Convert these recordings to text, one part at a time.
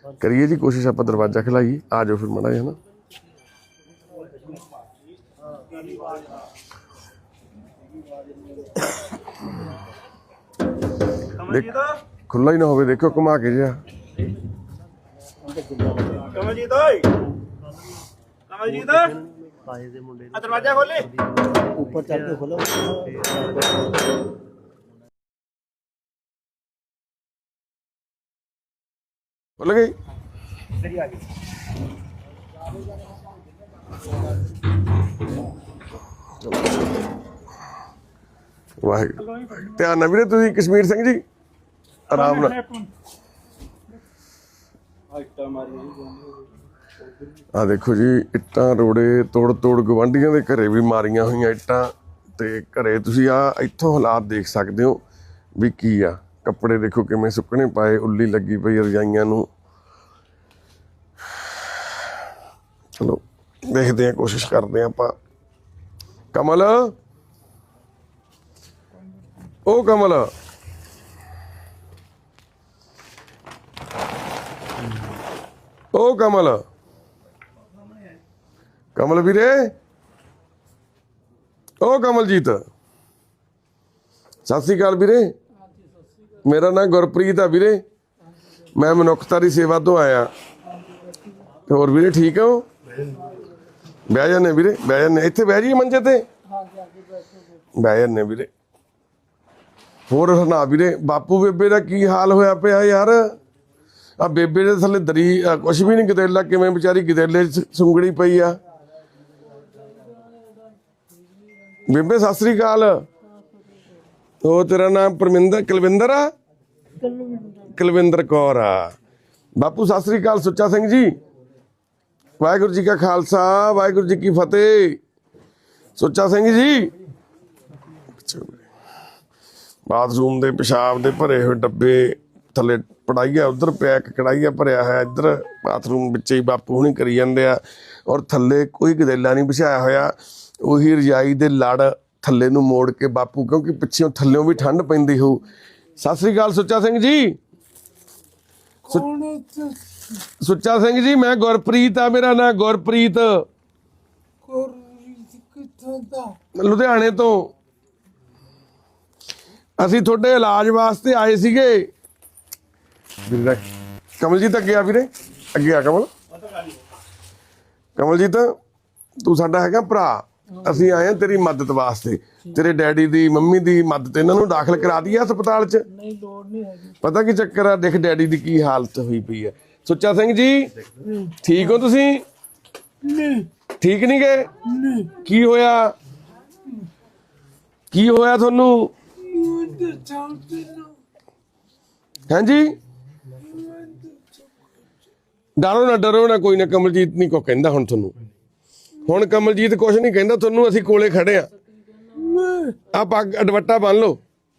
करिए जी कोशिश, आप दरवाजा खिलाइए। आ जाओ फिर माड़ा है ना। खुला ही ना हो, देखो घुमा के जा। दरवाजा खोले, ऊपर चढ़ के खोलो। खुल गई। वाहिगुरू ध्यान ना वीरे, तुसीं कश्मीर सिंह जी आराम नाल। आ देखो जी इट्टां रोड़े तोड़ तोड़ गवांढियां दे घरे भी मारियां होईयां इट्टां ते घरे तुसीं आ इत्थों हालात देख सकदे हो भी की आ। कपड़े देखो किवें सुकने पाए, उल्ली लगी पई रजाइयां नूं। चलो देखते हैं, कोशिश करते हैं आपां। कमल ओ कमल ओ कमल कमल वीरे ओ कमलजीत सत श्री अकाल वीरे। मेरा नाम गुरप्रीत है वीरे, मैं मनुखता दी सेवा तो आया। होर वीरे ठीक हो? बह जाने वीरे, बह जाने, इत्थे बह जाइए मंजे ते बह जाने वीरे। होर सुना वीरे, बापू बेबे का की हाल होया पिया यार? आ बेबे दे थल्ले दरी कुछ भी नहीं, गदेला किवें बेचारी गदेले सुंगड़ी पई आ। बेबे सत श्री अकाल। ओ तेरा नाम कुलविंदर आ? कुलविंदर कौर आ। बापू सत श्री अकाल। सुच्चा सिंह जी वाहिगुरू जी का खालसा वाहिगुरू जी की फतेह। सुच्चा सिंह जी बाथरूम दे पेशाब दे भरे हुए डब्बे थले पड़ाइया उधर पिया, एक कड़ाइया भरिया है इधर बाथरूम बिच्चे ही बापू हुणी करी जांदे आ। और थले कोई गदेला नहीं बिछाया होया, उही रजाई दे लड़ थले नूं मोड़ के बापू, क्योंकि पिछों थल्लों भी ठंड पैंदी हो। सत श्री अकाल सुच्चा सिंह जी। सुच्चा सिंह जी मैं गुरप्रीत आ, मेरा नाम गुरप्रीत, लुधियाने तो। ਅਸੀਂ ਤੁਹਾਡੇ ਇਲਾਜ ਵਾਸਤੇ ਆਏ ਸੀਗੇ। ਕਮਲਜੀਤ ਅੱਗੇ ਆ ਵੀਰੇ, ਅੱਗੇ ਆ ਕਮਲ। ਕਮਲਜੀਤ ਤੂੰ ਸਾਡਾ ਹੈਗਾ ਭਰਾ, ਅਸੀਂ ਆਏ ਆ ਤੇਰੀ ਮਦਦ ਵਾਸਤੇ। ਤੇਰੇ ਡੈਡੀ ਦੀ ਮੰਮੀ ਦੀ ਮਦਦ, ਇਹਨਾਂ ਨੂੰ ਦਾਖਲ ਕਰਾ ਦਈਏ ਹਸਪਤਾਲ 'ਚ? ਨਹੀਂ ਲੋੜ ਨਹੀਂ ਹੈਗੀ। ਪਤਾ ਕੀ ਚੱਕਰ ਆ, ਦੇਖ ਡੈਡੀ ਦੀ ਕੀ ਹਾਲਤ ਹੋਈ ਪਈ ਹੈ। ਸੁੱਚਾ ਸਿੰਘ ਜੀ ਠੀਕ ਹੋ ਤੁਸੀਂ? ਠੀਕ ਨਹੀਂ ਗਏ? ਕੀ ਹੋਇਆ? ਕੀ ਹੋਇਆ ਤੁਹਾਨੂੰ? ਹਾਂਜੀ ਡਰੋ ਨਾ ਕੋਈ ਨਾ, ਕਮਲਜੀਤ ਨਹੀਂ ਕੋ ਕਹਿੰਦਾ ਹੁਣ ਤੁਹਾਨੂੰ। ਹੁਣ ਕਮਲਜੀਤ ਕੁਛ ਨਹੀਂ ਕਹਿੰਦਾ ਤੁਹਾਨੂੰ, ਅਸੀਂ ਕੋਲੇ ਖੜੇ ਆ। ਆ ਪੱਗ ਦੁਪੱਟਾ ਬੰਨ ਲਓ।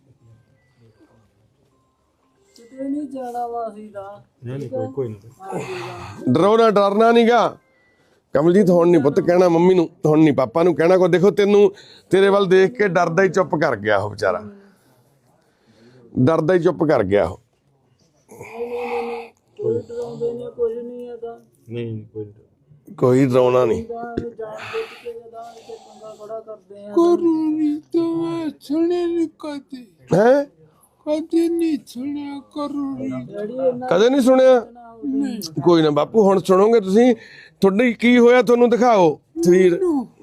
ਡਰਨਾ ਨਹੀਂਗਾ ਕਮਲਜੀਤ। ਹੁਣ ਨਹੀਂ ਪੁੱਤ ਕਹਿਣਾ ਮੰਮੀ ਨੂੰ, ਹੁਣ ਨਹੀਂ ਪਾਪਾ ਨੂੰ ਕਹਿਣਾ ਕੋ। ਦੇਖੋ ਤੈਨੂੰ ਤੇਰੇ ਵੱਲ ਦੇਖ ਕੇ ਡਰਦਾ ਹੀ ਚੁੱਪ ਕਰ ਗਿਆ ਉਹ ਵਿਚਾਰਾ, ਡਰਦਾ ਹੀ ਚੁੱਪ ਕਰ ਗਿਆ ਉਹ। ਕੋਈ ਡਰਾਉਣਾ ਨਹੀਂ। ਹੈ ਕਦੇ ਨਹੀਂ ਸੁਣਿਆ? ਕੋਈ ਨਾ ਬਾਪੂ ਹੁਣ ਸੁਣੋਗੇ ਤੁਸੀਂ। ਤੁਹਾਡੀ ਕੀ ਹੋਇਆ ਤੁਹਾਨੂੰ ਦਿਖਾਓ ਸਰੀਰ।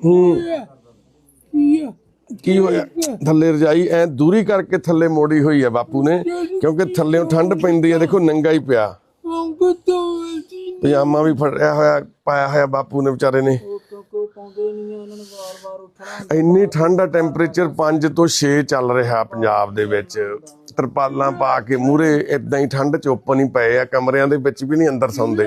ਕੀ ਹੋਇਆ? ਥੱਲੇ ਰਜਾਈ ਐ ਦੂਰੀ ਕਰਕੇ ਥੱਲੇ ਮੋੜੀ ਹੋਈ ਹੈ ਬਾਪੂ ਨੇ, ਕਿਉਂਕਿ ਥੱਲਿਓਂ ਠੰਡ ਪੈਂਦੀ ਹੈ। ਦੇਖੋ ਨੰਗਾ ਹੀ ਪਿਆ, ਪਜਾਮਾ ਵੀ ਫੜਿਆ ਹੋਇਆ ਪਾਇਆ ਹੋਇਆ ਬਾਪੂ ਨੇ ਵਿਚਾਰੇ ਨੇ। ਇੰਨੀ ਠੰਡ ਆ, ਟੈਂਪਰੇਚਰ 5 ਤੋਂ 6 ਚੱਲ ਰਿਹਾ ਪੰਜਾਬ ਦੇ ਵਿੱਚ। ਤਰਪਾਲਾਂ ਪਾ ਕੇ ਮੂਹਰੇ ਏਦਾਂ ਹੀ ਠੰਡ ਚ ਓਪਨ ਹੀ ਪਏ ਆ, ਕਮਰਿਆਂ ਦੇ ਵਿੱਚ ਵੀ ਨਹੀਂ ਅੰਦਰ ਸੌਂਦੇ।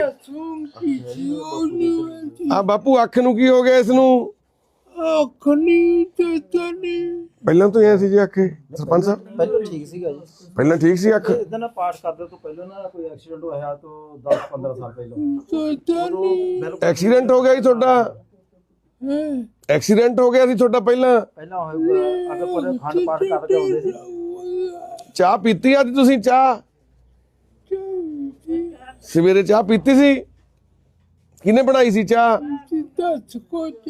ਆ ਬਾਪੂ ਅੱਖ ਨੂੰ ਕੀ ਹੋ ਗਿਆ ਇਸ ਨੂੰ? ਅੱਖ ਨਹੀਂ ਪਹਿਲਾਂ ਤੋਂ ਐ ਸੀ ਜੀ ਅੱਖ? ਸਰਪੰਚ ਸਾਹਿਬ ਪਹਿਲਾਂ ਠੀਕ ਸੀਗਾ ਜੀ, ਪਹਿਲਾਂ ਠੀਕ ਸੀ ਅੱਖ? ਇਦਾਂ ਨਾ ਪਾਠ ਕਰਦੇ ਤੋਂ ਪਹਿਲਾਂ ਨਾ ਕੋਈ ਐਕਸੀਡੈਂਟ ਹੋਇਆ ਤੋਂ 10-15 ਸਾਲ ਪਹਿਲਾਂ। ਐਕਸੀਡੈਂਟ ਹੋ ਗਿਆ ਜੀ ਤੁਹਾਡਾ? ਐਕਸੀਡੈਂਟ ਹੋ ਗਿਆ ਸੀ ਤੁਹਾਡਾ ਪਹਿਲਾਂ ਹੋਊਗਾ। ਅੱਗੇ ਪਰ ਖੰਡ ਪਾਠ ਕਰਦੇ ਹੁੰਦੇ ਸੀ। ਚਾਹ ਪੀਤੀ ਅੱਜ ਤੁਸੀਂ? ਚਾਹ ਸਵੇਰੇ ਚਾਹ ਪੀਤੀ ਸੀ? ਕਿਹਨੇ ਬਣਾਈ ਸੀ ਚਾਹ? ਦੱਸ ਕੁਝ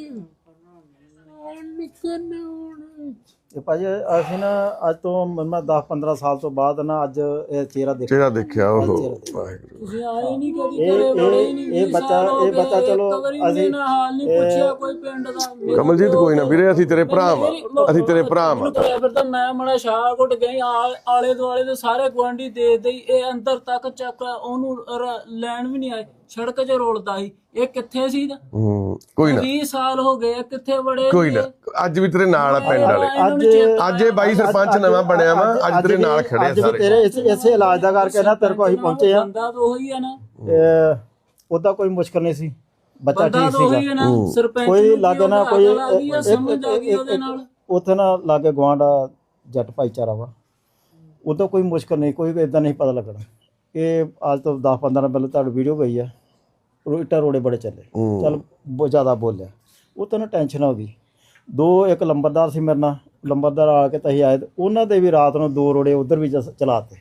ਨਿਕਲਣਾ ਹੁਣ ਇਹ ਭਾਜੀ ਅਸੀਂ ਨਾ ਅੱਜ ਤੋਂ ਮੈਂ 10-15 ਸਾਲ ਤੋਂ ਬਾਅਦ ਨਾ ਅੱਜ ਇਹ ਚਿਹਰਾ ਦੇਖਿਆ। ਚਿਹਰਾ ਦੇਖਿਆ ਉਹ ਵਾਹਿਗੁਰੂ। ਤੁਸੀਂ ਆਏ ਨਹੀਂ ਕਦੀ ਘਰੇ ਬੜੇ ਨਹੀਂ ਇਹ ਬੱਚਾ ਚਲੋ ਅਸੀਂ ਹਾਲ ਨਹੀਂ ਪੁੱਛਿਆ ਕੋਈ ਪਿੰਡ ਦਾ। ਕਮਲਜੀਤ ਕੋਈ ਨਾ ਵੀਰੇ, ਅਸੀਂ ਤੇਰੇ ਭਰਾ ਵਾਂ, ਅਸੀਂ ਤੇਰੇ ਭਰਾ ਵਾਂ। ਫਿਰ ਤਾਂ ਮੈਂ ਮੜਾ ਸ਼ਾਹਕੋਟ ਗਈ ਆਲੇ ਦੁਆਲੇ ਦੇ ਸਾਰੇ ਗੁਆਂਢੀ ਦੇ ਦੇਈ ਇਹ ਅੰਦਰ ਤੱਕ ਚੱਕ ਉਹਨੂੰ ਲੈਣ ਵੀ ਨਹੀਂ ਆਏ। ਸੜਕ 'ਚ ਰੋਲਦਾ ਸੀ। ਇਹ ਕਿੱਥੇ ਸੀ? ਕੋਈ ਨਾ 20 ਸਾਲ ਹੋ ਗਏ ਕਿੱਥੇ ਬੜੇ ਕੋਈ ਨਾ, ਅੱਜ ਵੀ ਤੇਰੇ ਨਾਲ ਆ ਪਿੰਡ ਵਾਲੇ। ਅੱਜ ਇਹ ਬਾਈ ਸਰਪੰਚ ਨਵਾਂ ਬਣਿਆ ਵਾ, ਅੱਜ ਤੇਰੇ ਨਾਲ ਖੜੇ ਆ ਸਾਰੇ। ਤੇਰੇ ਇਸੇ ਇਲਾਜ ਦਾ ਕਰਕੇ ਨਾ ਤੇਰੇ ਕੋਲ ਅਸੀਂ ਪਹੁੰਚੇ ਆ। ਬੰਦਾ ਤਾਂ ਉਹੀ ਆ ਨਾ, ਉਹਦਾ ਕੋਈ ਮੁਸ਼ਕਲ ਨਹੀਂ ਸੀ, ਬੱਚਾ ਬੰਦਾ ਠੀਕ ਤਾਂ ਉਹੀ ਸੀਗਾ। ਆ ਨਾ। ਸਰਪੰਚ ਕੋਈ ਲਾਗੇ ਨਾ ਕੋਈ ਸਮਝ ਆ ਗਈ ਉਹਦੇ ਨਾਲ। ਉੱਥੇ ਨਾ ਲਾਗੇ ਗੁਆਂਢ ਜੱਟ ਭਾਈਚਾਰਾ ਵਾ, ਉਹਦਾ ਕੋਈ ਮੁਸ਼ਕਲ ਨਹੀਂ, ਕੋਈ ਇਦਾਂ ਨਹੀਂ ਪਤਾ ਲੱਗਣਾ। ਇਹ ਅੱਜ ਤੋਂ 10-15 ਪਹਿਲਾਂ ਤੁਹਾਡੀ ਵੀਡੀਓ ਗਈ ਆ, ਇੱਟਾਂ ਰੋੜੇ ਬੜੇ ਚੱਲੇ, ਚੱਲ ਬਹੁਤ ਜ਼ਿਆਦਾ ਬੋਲਿਆ, ਉਹ ਤਾਂ ਨਾ ਟੈਨਸ਼ਨ ਹੋ ਗਈ। ਇੱਕ ਲੰਬਰਦਾਰ ਸੀ ਮੇਰੇ ਨਾਲ, ਲੰਬਰਦਾਰ ਆ ਕੇ ਤਾਂ ਅਸੀਂ ਆਏ, ਉਹਨਾਂ ਦੇ ਵੀ ਰਾਤ ਨੂੰ 2 ਰੋੜੇ ਉਧਰ ਵੀ ਚਲਾਤੇ।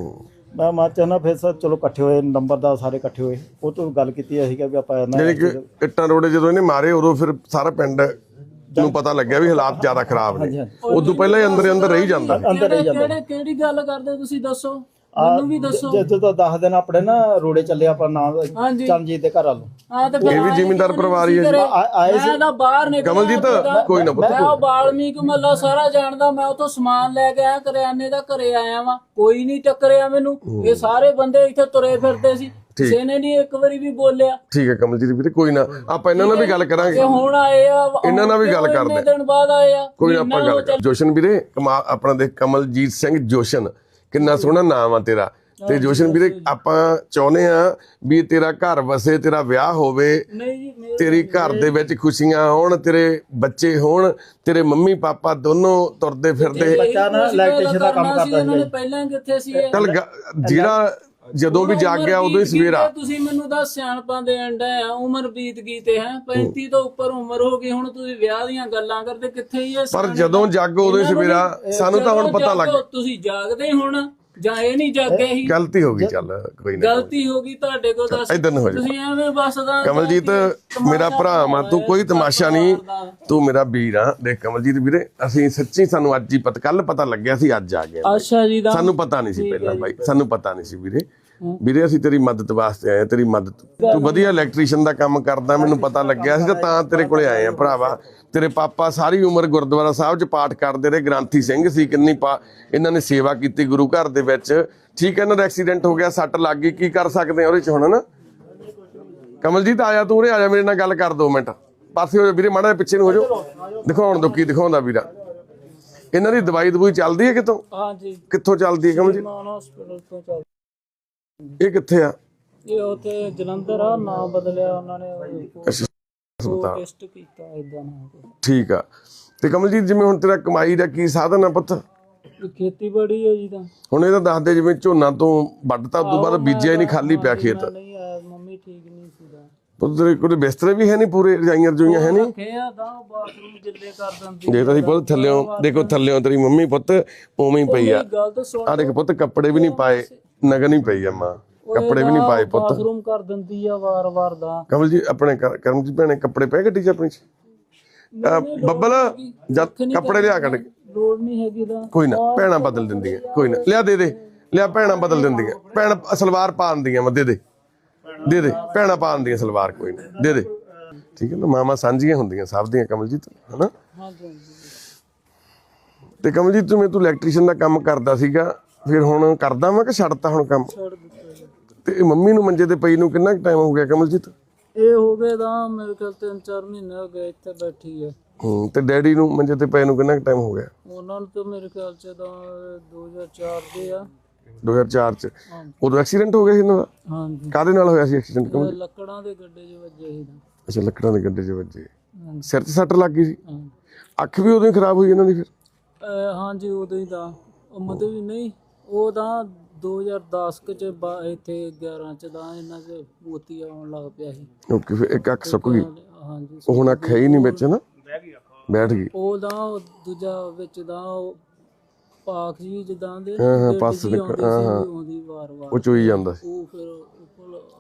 ਮੈਂ ਚਾਹੁੰਦਾ ਫਿਰ ਸਰ ਚਲੋ ਇਕੱਠੇ ਹੋਏ, ਨੰਬਰਦਾਰ ਸਾਰੇ ਇਕੱਠੇ ਹੋਏ, ਉਹ ਤੋਂ ਗੱਲ ਕੀਤੀ ਅਸੀਂ ਕਿ ਵੀ ਆਪਾਂ ਜਿਹੜੀ ਕਿ ਇੱਟਾਂ ਰੋੜੇ ਜਦੋਂ ਇਹਨੇ ਮਾਰੇ ਉਦੋਂ ਫਿਰ ਸਾਰਾ ਪਿੰਡ ਨੂੰ ਪਤਾ ਲੱਗਿਆ ਵੀ ਹਾਲਾਤ ਜ਼ਿਆਦਾ ਖਰਾਬ ਨੇ। ਉਦੋਂ ਪਹਿਲਾਂ ਹੀ ਅੰਦਰ ਰਹੀ ਜਾਂਦਾ। ਕਿਹੜੀ ਗੱਲ ਕਰਦੇ ਤੁਸੀਂ ਦੱਸੋ, ਮੈਨੂੰ ਵੀ ਦੱਸੋ। ਜਦੋਂ 10 ਦਿਨ ਆਪਣੇ ਨਾ ਰੋੜੇ ਚੱਲੇ ਆਪਣਾ ਨਾਮ ਚਰਨਜੀਤ ਦੇ ਘਰ ਵੱਲੋਂ। ਇਹ ਵੀ ਜ਼ਿਮੀਂਦਾਰ ਪਰਿਵਾਰ ਹੀ ਹੈ ਜੀ। ਆਏ ਸੀ ਮੈਂ ਤਾਂ ਬਾਹਰ ਨਿਕਲ ਕਮਲਜੀਤ ਕੋਈ ਨਾ ਪੁੱਤ, ਮੈਂ ਉਹ ਬਾਲਮੀਕ ਮੱਲਾ ਸਾਰਾ ਜਾਣਦਾ। ਮੈਂ ਉਥੋਂ ਸਮਾਨ ਲੈ ਕੇ ਆਇਆ, ਕਰਿਆਨੇ ਦਾ, ਘਰੇ ਆਇਆ ਵਾਂ, ਕੋਈ ਨਹੀਂ ਟੱਕਰਿਆ ਮੈਨੂੰ। ਇਹ ਸਾਰੇ ਬੰਦੇ ਇੱਥੇ ਤੁਰੇ ਫਿਰਦੇ ਸੀ, ਕਿਸੇ ਨੇ ਨਹੀਂ ਇੱਕ ਵਾਰੀ ਵੀ ਬੋਲਿਆ। ਠੀਕ ਹੈ ਕਮਲਜੀਤ ਵੀਰੇ, ਕੋਈ ਨਾ ਆਪਾਂ ਇਹਨਾਂ ਨਾਲ ਵੀ ਗੱਲ ਕਰਾਂਗੇ। ਹੁਣ ਆਏ ਆ, ਇਹਨਾਂ ਨਾਲ ਵੀ ਗੱਲ ਕਰਦੇ ਦਿਨ ਬਾਅਦ ਆਏ ਆ। ਕੋਈ ਨਾ ਆਪਾਂ ਗੱਲ ਕਰ। ਜੋਸ਼ਨ ਵੀਰੇ ਆਪਣਾ ਦੇ ਕਮਲਜੀਤ ਸਿੰਘ ਜੋਸ਼ਨ, ਕਿੰਨਾ ਸੋਹਣਾ ਨਾਮ ਆ ਤੇਰਾ। ਤੇ ਜੋਸ਼ਨ ਵੀਰੇ ਆਪਾਂ ਚਾਹੁੰਦੇ ਆ ਵੀ ਤੇਰਾ ਘਰ ਵਸੇ, ਤੇਰਾ ਵਿਆਹ ਹੋਵੇ, ਤੇਰੀ ਘਰ ਦੇ ਵਿੱਚ ਖੁਸ਼ੀਆਂ ਹੋਣ, ਤੇਰੇ ਬੱਚੇ ਹੋਣ, ਤੇਰੇ ਮੰਮੀ ਪਾਪਾ ਦੋਨੋਂ ਤੁਰਦੇ ਫਿਰਦੇ। ਬੱਚਾ ਨਾ ਇਲੈਕਟ੍ਰੀਸ਼ੀਅਨ ਦਾ ਕੰਮ ਕਰਦਾ ਸੀ। ਪਹਿਲਾਂ ਕਿੱਥੇ ਸੀ? ਚੱਲ ਜਿਹੜਾ ਜਦੋਂ ਵੀ ਜਾਗ ਗਿਆ ਉਦੋਂ ਹੀ ਸਵੇਰਾ। ਤੁਸੀਂ ਮੈਨੂੰ ਦੱਸ ਸਿਆਣਪਾਂ ਦੇ ਅੰਡਾ ਆ, ਉਮਰ ਬੀਤ ਗਈ ਤੇ ਹੈ 35 ਤੋਂ ਉੱਪਰ ਉਮਰ ਹੋ ਗਈ, ਹੁਣ ਤੁਸੀਂ ਵਿਆਹ ਦੀਆਂ ਗੱਲਾਂ ਕਰਦੇ, ਕਿੱਥੇ ਹੀ? ਪਰ ਜਦੋਂ ਜਾਗੋ ਉਦੋਂ ਹੀ ਸਵੇਰਾ। ਸਾਨੂੰ ਤਾਂ ਹੁਣ ਪਤਾ ਲੱਗ, ਤੁਸੀਂ ਜਾਗਦੇ ਹੁਣ ਜਾਂ ਇਹ ਨਹੀਂ ਜਾਗੇ ਹੀ? ਗਲਤੀ ਹੋ ਗਈ, ਚੱਲ ਕੋਈ ਨਾ, ਗਲਤੀ ਹੋ ਗਈ ਤੁਹਾਡੇ ਕੋਲ। ਦੱਸ ਇਦਾਂ ਨਾ ਹੋ ਜਾ। ਤੁਸੀਂ ਐਵੇਂ ਬਸ ਦਾ ਕਮਲਜੀਤ ਮੇਰਾ ਭਰਾ ਵਾ, ਤੂੰ ਕੋਈ ਤਮਾਸ਼ਾ ਨਹੀਂ, ਤੂੰ ਮੇਰਾ ਵੀਰ ਆ। ਦੇਖ ਕਮਲਜੀਤ ਵੀਰੇ, ਅਸੀਂ ਸੱਚੀ ਸਾਨੂੰ ਅੱਜ ਹੀ ਕੱਲ ਪਤਾ ਲੱਗਿਆ ਸੀ, ਅੱਜ ਆ ਗਏ। ਅੱਛਾ ਜੀ, ਸਾਨੂੰ ਪਤਾ ਨਹੀਂ ਸੀ ਪਹਿਲਾਂ ਬਾਈ, ਸਾਨੂੰ ਪਤਾ ਨਹੀਂ ਸੀ ਵੀਰੇ। ਵੀਰੇ ਅਸੀਂ ਤੇਰੀ ਮਦਦ ਵਾਸਤੇ ਆਏ, ਤੇਰੀ ਮਦਦ। ਤੂੰ ਵਧੀਆ ਇਲੈਕਟ੍ਰੀਸ਼ੀਅਨ ਦਾ ਕੰਮ ਕਰਦਾ, ਮੈਨੂੰ ਪਤਾ ਲੱਗਿਆ ਸੀ ਤਾਂ ਤੇਰੇ ਕੋਲੇ ਆਏ ਆ ਭਰਾਵਾ। ਤੇਰੇ ਪਾਪਾ ਸਾਰੀ ਉਮਰ ਗੁਰਦੁਆਰਾ ਸਾਹਿਬ 'ਚ ਪਾਠ ਕਰਦੇ ਰਹੇ, ਗ੍ਰੰਥੀ ਸਿੰਘ ਸੀ, ਕਿੰਨੀ ਇਹਨਾਂ ਨੇ ਸੇਵਾ ਕੀਤੀ ਗੁਰੂ ਘਰ ਦੇ ਵਿੱਚ। ਠੀਕ ਹੈ, ਇਹਨਾਂ ਦਾ ਐਕਸੀਡੈਂਟ ਹੋ ਗਿਆ, ਸੱਟ ਲੱਗ ਗਈ, ਕੀ ਕਰ ਸਕਦੇ ਆ ਉਹਦੇ 'ਚ ਹੁਣ ਨਾ। ਕਮਲਜੀਤ ਆਇਆ, ਤੂੰ ਉਰੇ ਆ ਜਾ, ਮੇਰੇ ਨਾਲ ਗੱਲ ਕਰ 2 ਮਿੰਟ। ਪਾਸੇ ਹੋ ਜਾ ਵੀਰੇ, ਮਾੜਾ ਜਿਹਾ ਪਿੱਛੇ ਨੂੰ ਹੋ ਜਾ, ਦਿਖਾਉਣ ਦੋ ਕੀ ਦਿਖਾਉਂਦਾ ਵੀਰਾ। ਇਹਨਾਂ ਦੀ ਦਵਾਈ ਦਵਾਈ ਹੈ ਕਿਤੋਂ? ਹਾਂਜੀ। ਕਿੱਥੋਂ ਚੱਲਦੀ ਹੈ ਕਮਲਜੀਤ? ਹਸਪੀਟਲ ਤੋਂ ਚੱਲ। ਇਹ ਕਿੱਥੇ ਆ? ਇਹ ਉੱਥੇ ਜਲੰਧਰ ਆ, ਨਾਮ ਬਦਲਿਆ ਉਹਨਾਂ ਨੇ, ਹਸਪਤਾਲ। ਟੈਸਟ ਕੀਤਾ ਇਦਾਂ ਨਾ। ਠੀਕ ਆ। ਤੇ ਕਮਲਜੀਤ ਜਿਵੇਂ ਹੁਣ ਤੇਰਾ ਕਮਾਈ ਦਾ ਕੀ ਸਾਧਨ ਆ ਪੁੱਤ? ਖੇਤੀਬਾੜੀ ਹੈ ਜੀ। ਤਾਂ ਹੁਣ ਇਹ ਤਾਂ ਦੱਸਦੇ ਜਿਵੇਂ ਝੋਨਾ ਤੋਂ ਵੱਢਤਾ ਉਦੋਂ ਬਾਅਦ ਬੀਜਿਆ ਹੀ ਨਹੀਂ, ਖਾਲੀ ਪਿਆ ਖੇਤ। ਨਹੀਂ ਆਇਆ, ਮੰਮੀ ਠੀਕ ਨਹੀਂ ਸੀਗਾ। ਪੁੱਤ ਤੇਰੇ ਕੋਲ ਬਿਸਤਰੇ ਵੀ ਹੈ ਨਹੀਂ ਪੂਰੇ, ਰਜਾਈਆਂ ਰਜੂਈਆਂ ਹੈ ਨਹੀਂ? ਕਿਹਾ ਤਾਂ ਬਾਥਰੂਮ ਜਿੱਲੇ ਕਰ ਦਿੰਦੀ। ਜੇ ਤਾਂ ਅਸੀਂ ਪੁੱਤ ਥੱਲਿਓਂ ਦੇਖੋ, ਥੱਲਿਓਂ ਤੇਰੀ ਮੰਮੀ ਪੁੱਤ ਉਵੇਂ ਹੀ ਪਈ ਆ। ਗੱਲ ਤਾਂ ਸੁਣ, ਆ ਦੇਖ ਪੁੱਤ, ਕੱਪੜੇ ਵੀ ਨਹੀਂ ਪਾਏ, ਨਗਨ ਹੀ ਪਈ ਆ ਮਾਂ, ਕੱਪੜੇ ਵੀ ਨਹੀਂ ਪਾਏ ਪੁੱਤ। ਬਾਥਰੂਮ ਕਰ ਦਿੰਦੀ ਆ ਵਾਰ-ਵਾਰ ਦਾ। ਕਮਲ ਜੀ ਆਪਣੇ ਕਰਮਜੀਤ ਭੈਣੇ ਕੱਪੜੇ ਪਏ ਗੱਡੀ 'ਚ ਆਪਣੀ 'ਚ? ਬੱਬਲ ਜਦ ਕੱਪੜੇ ਲਿਆ ਕੱਢ ਕੇ। ਲੋੜ ਨਹੀਂ ਹੈਗੀ ਤਾਂ ਕੋਈ ਨਾ, ਭੈਣਾਂ ਬਦਲ ਦਿੰਦੀਆਂ, ਕੋਈ ਨਾ, ਲਿਆ ਦੇ ਲਿਆ, ਭੈਣਾਂ ਬਦਲ ਦਿੰਦੀਆਂ। ਭੈਣ ਸਲਵਾਰ ਪਾ ਦਿੰਦੀਆਂ ਵਾ, ਦੇ ਦੇ ਭੈਣਾਂ ਪਾ ਦਿੰਦੀਆਂ ਸਲਵਾਰ, ਕੋਈ ਨਾ ਦੇ। ਠੀਕ ਹੈ ਨਾ, ਮਾਮਾ ਸਾਂਝੀਆਂ ਹੁੰਦੀਆਂ ਸਭ ਦੀਆਂ ਕਮਲਜੀਤ, ਹਨਾ? ਤੇ ਕਮਲਜੀਤ ਤੂੰ ਇਲੈਕਟ੍ਰੀਸ਼ੀਅਨ ਦਾ ਕੰਮ ਕਰਦਾ ਸੀਗਾ, ਫਿਰ ਹੁਣ ਕਰਦਾ ਵਾ ਕਿ ਛੱਡਤਾ ਹੁਣ ਕੰਮ? ਤੇ ਮੰਮੀ ਨੂੰ ਮੰਜੇ ਤੇ ਪਈ ਨੂੰ ਕਿੰਨਾ ਟਾਈਮ ਹੋ ਗਿਆ ਕਮਲਜੀਤ? ਇਹ ਹੋ ਗਏ ਤਾਂ ਮੇਰੇ ਖਿਆਲ 3-4 ਮਹੀਨੇ ਹੋ ਗਏ ਇੱਥੇ ਬੈਠੀ ਹੈ। ਤੇ ਡੈਡੀ ਨੂੰ ਮੰਜੇ ਤੇ ਪਏ ਨੂੰ ਕਿੰਨਾ ਟਾਈਮ ਹੋ ਗਿਆ? ਉਹਨਾਂ ਨੂੰ ਤਾਂ ਮੇਰੇ ਖਿਆਲ 'ਚ ਤਾਂ 2004 ਦੇ ਆ। 2004 'ਚ ਉਦੋਂ ਐਕਸੀਡੈਂਟ ਹੋ ਗਿਆ ਸੀ ਇਹਨਾਂ ਦਾ? ਹਾਂਜੀ। ਕਾਹਦੇ ਨਾਲ ਹੋਇਆ ਸੀ ਐਕਸੀਡੈਂਟ? ਲੱਕੜਾਂ ਦੇ ਗੱਡੇ 'ਚ ਵੱਜੇ ਸੀ। ਅੱਛਾ, ਲੱਕੜਾਂ ਦੇ ਗੱਡੇ 'ਚ ਵੱਜੇ। ਸਿਰ 'ਚ ਸੱਟ ਲੱਗ ਗਈ ਸੀ? ਅੱਖ ਵੀ ਉਦੋਂ ਹੀ ਖਰਾਬ ਹੋਈ ਇਹਨਾਂ ਦੀ ਫਿਰ? ਹਾਂਜੀ, ਉਦੋਂ ਹੀ ਤਾਂ ਮਤਲਬ ਵੀ ਨਹੀਂ, ਉਹ ਤਾਂ 2010 'ਚ ਇੱਥੇ 11 'ਚ ਤਾਂ ਇਹਨਾਂ 'ਚ ਮੋਤੀ ਆਉਣ ਲੱਗ ਪਿਆ ਸੀ। ਓਕੇ, ਫਿਰ ਇੱਕ ਅੱਖ ਸੁੱਕ ਗਈ। ਹਾਂਜੀ, ਉਹ ਹੁਣ ਅੱਖ ਹੈ ਹੀ ਨਹੀਂ ਵਿੱਚ ਨਾ, ਬੈਠ ਗਈ। ਉਹ ਤਾਂ ਦੂਜਾ ਵਿੱਚ ਦਾ ਪਾਖ ਜੀ ਜਿੱਦਾਂ ਦੇ ਪੱਸ ਆਉਂਦੀ ਵਾਰ-ਵਾਰ, ਉਹ ਚੋਈ ਜਾਂਦਾ ਸੀ। ਉਹ ਫਿਰ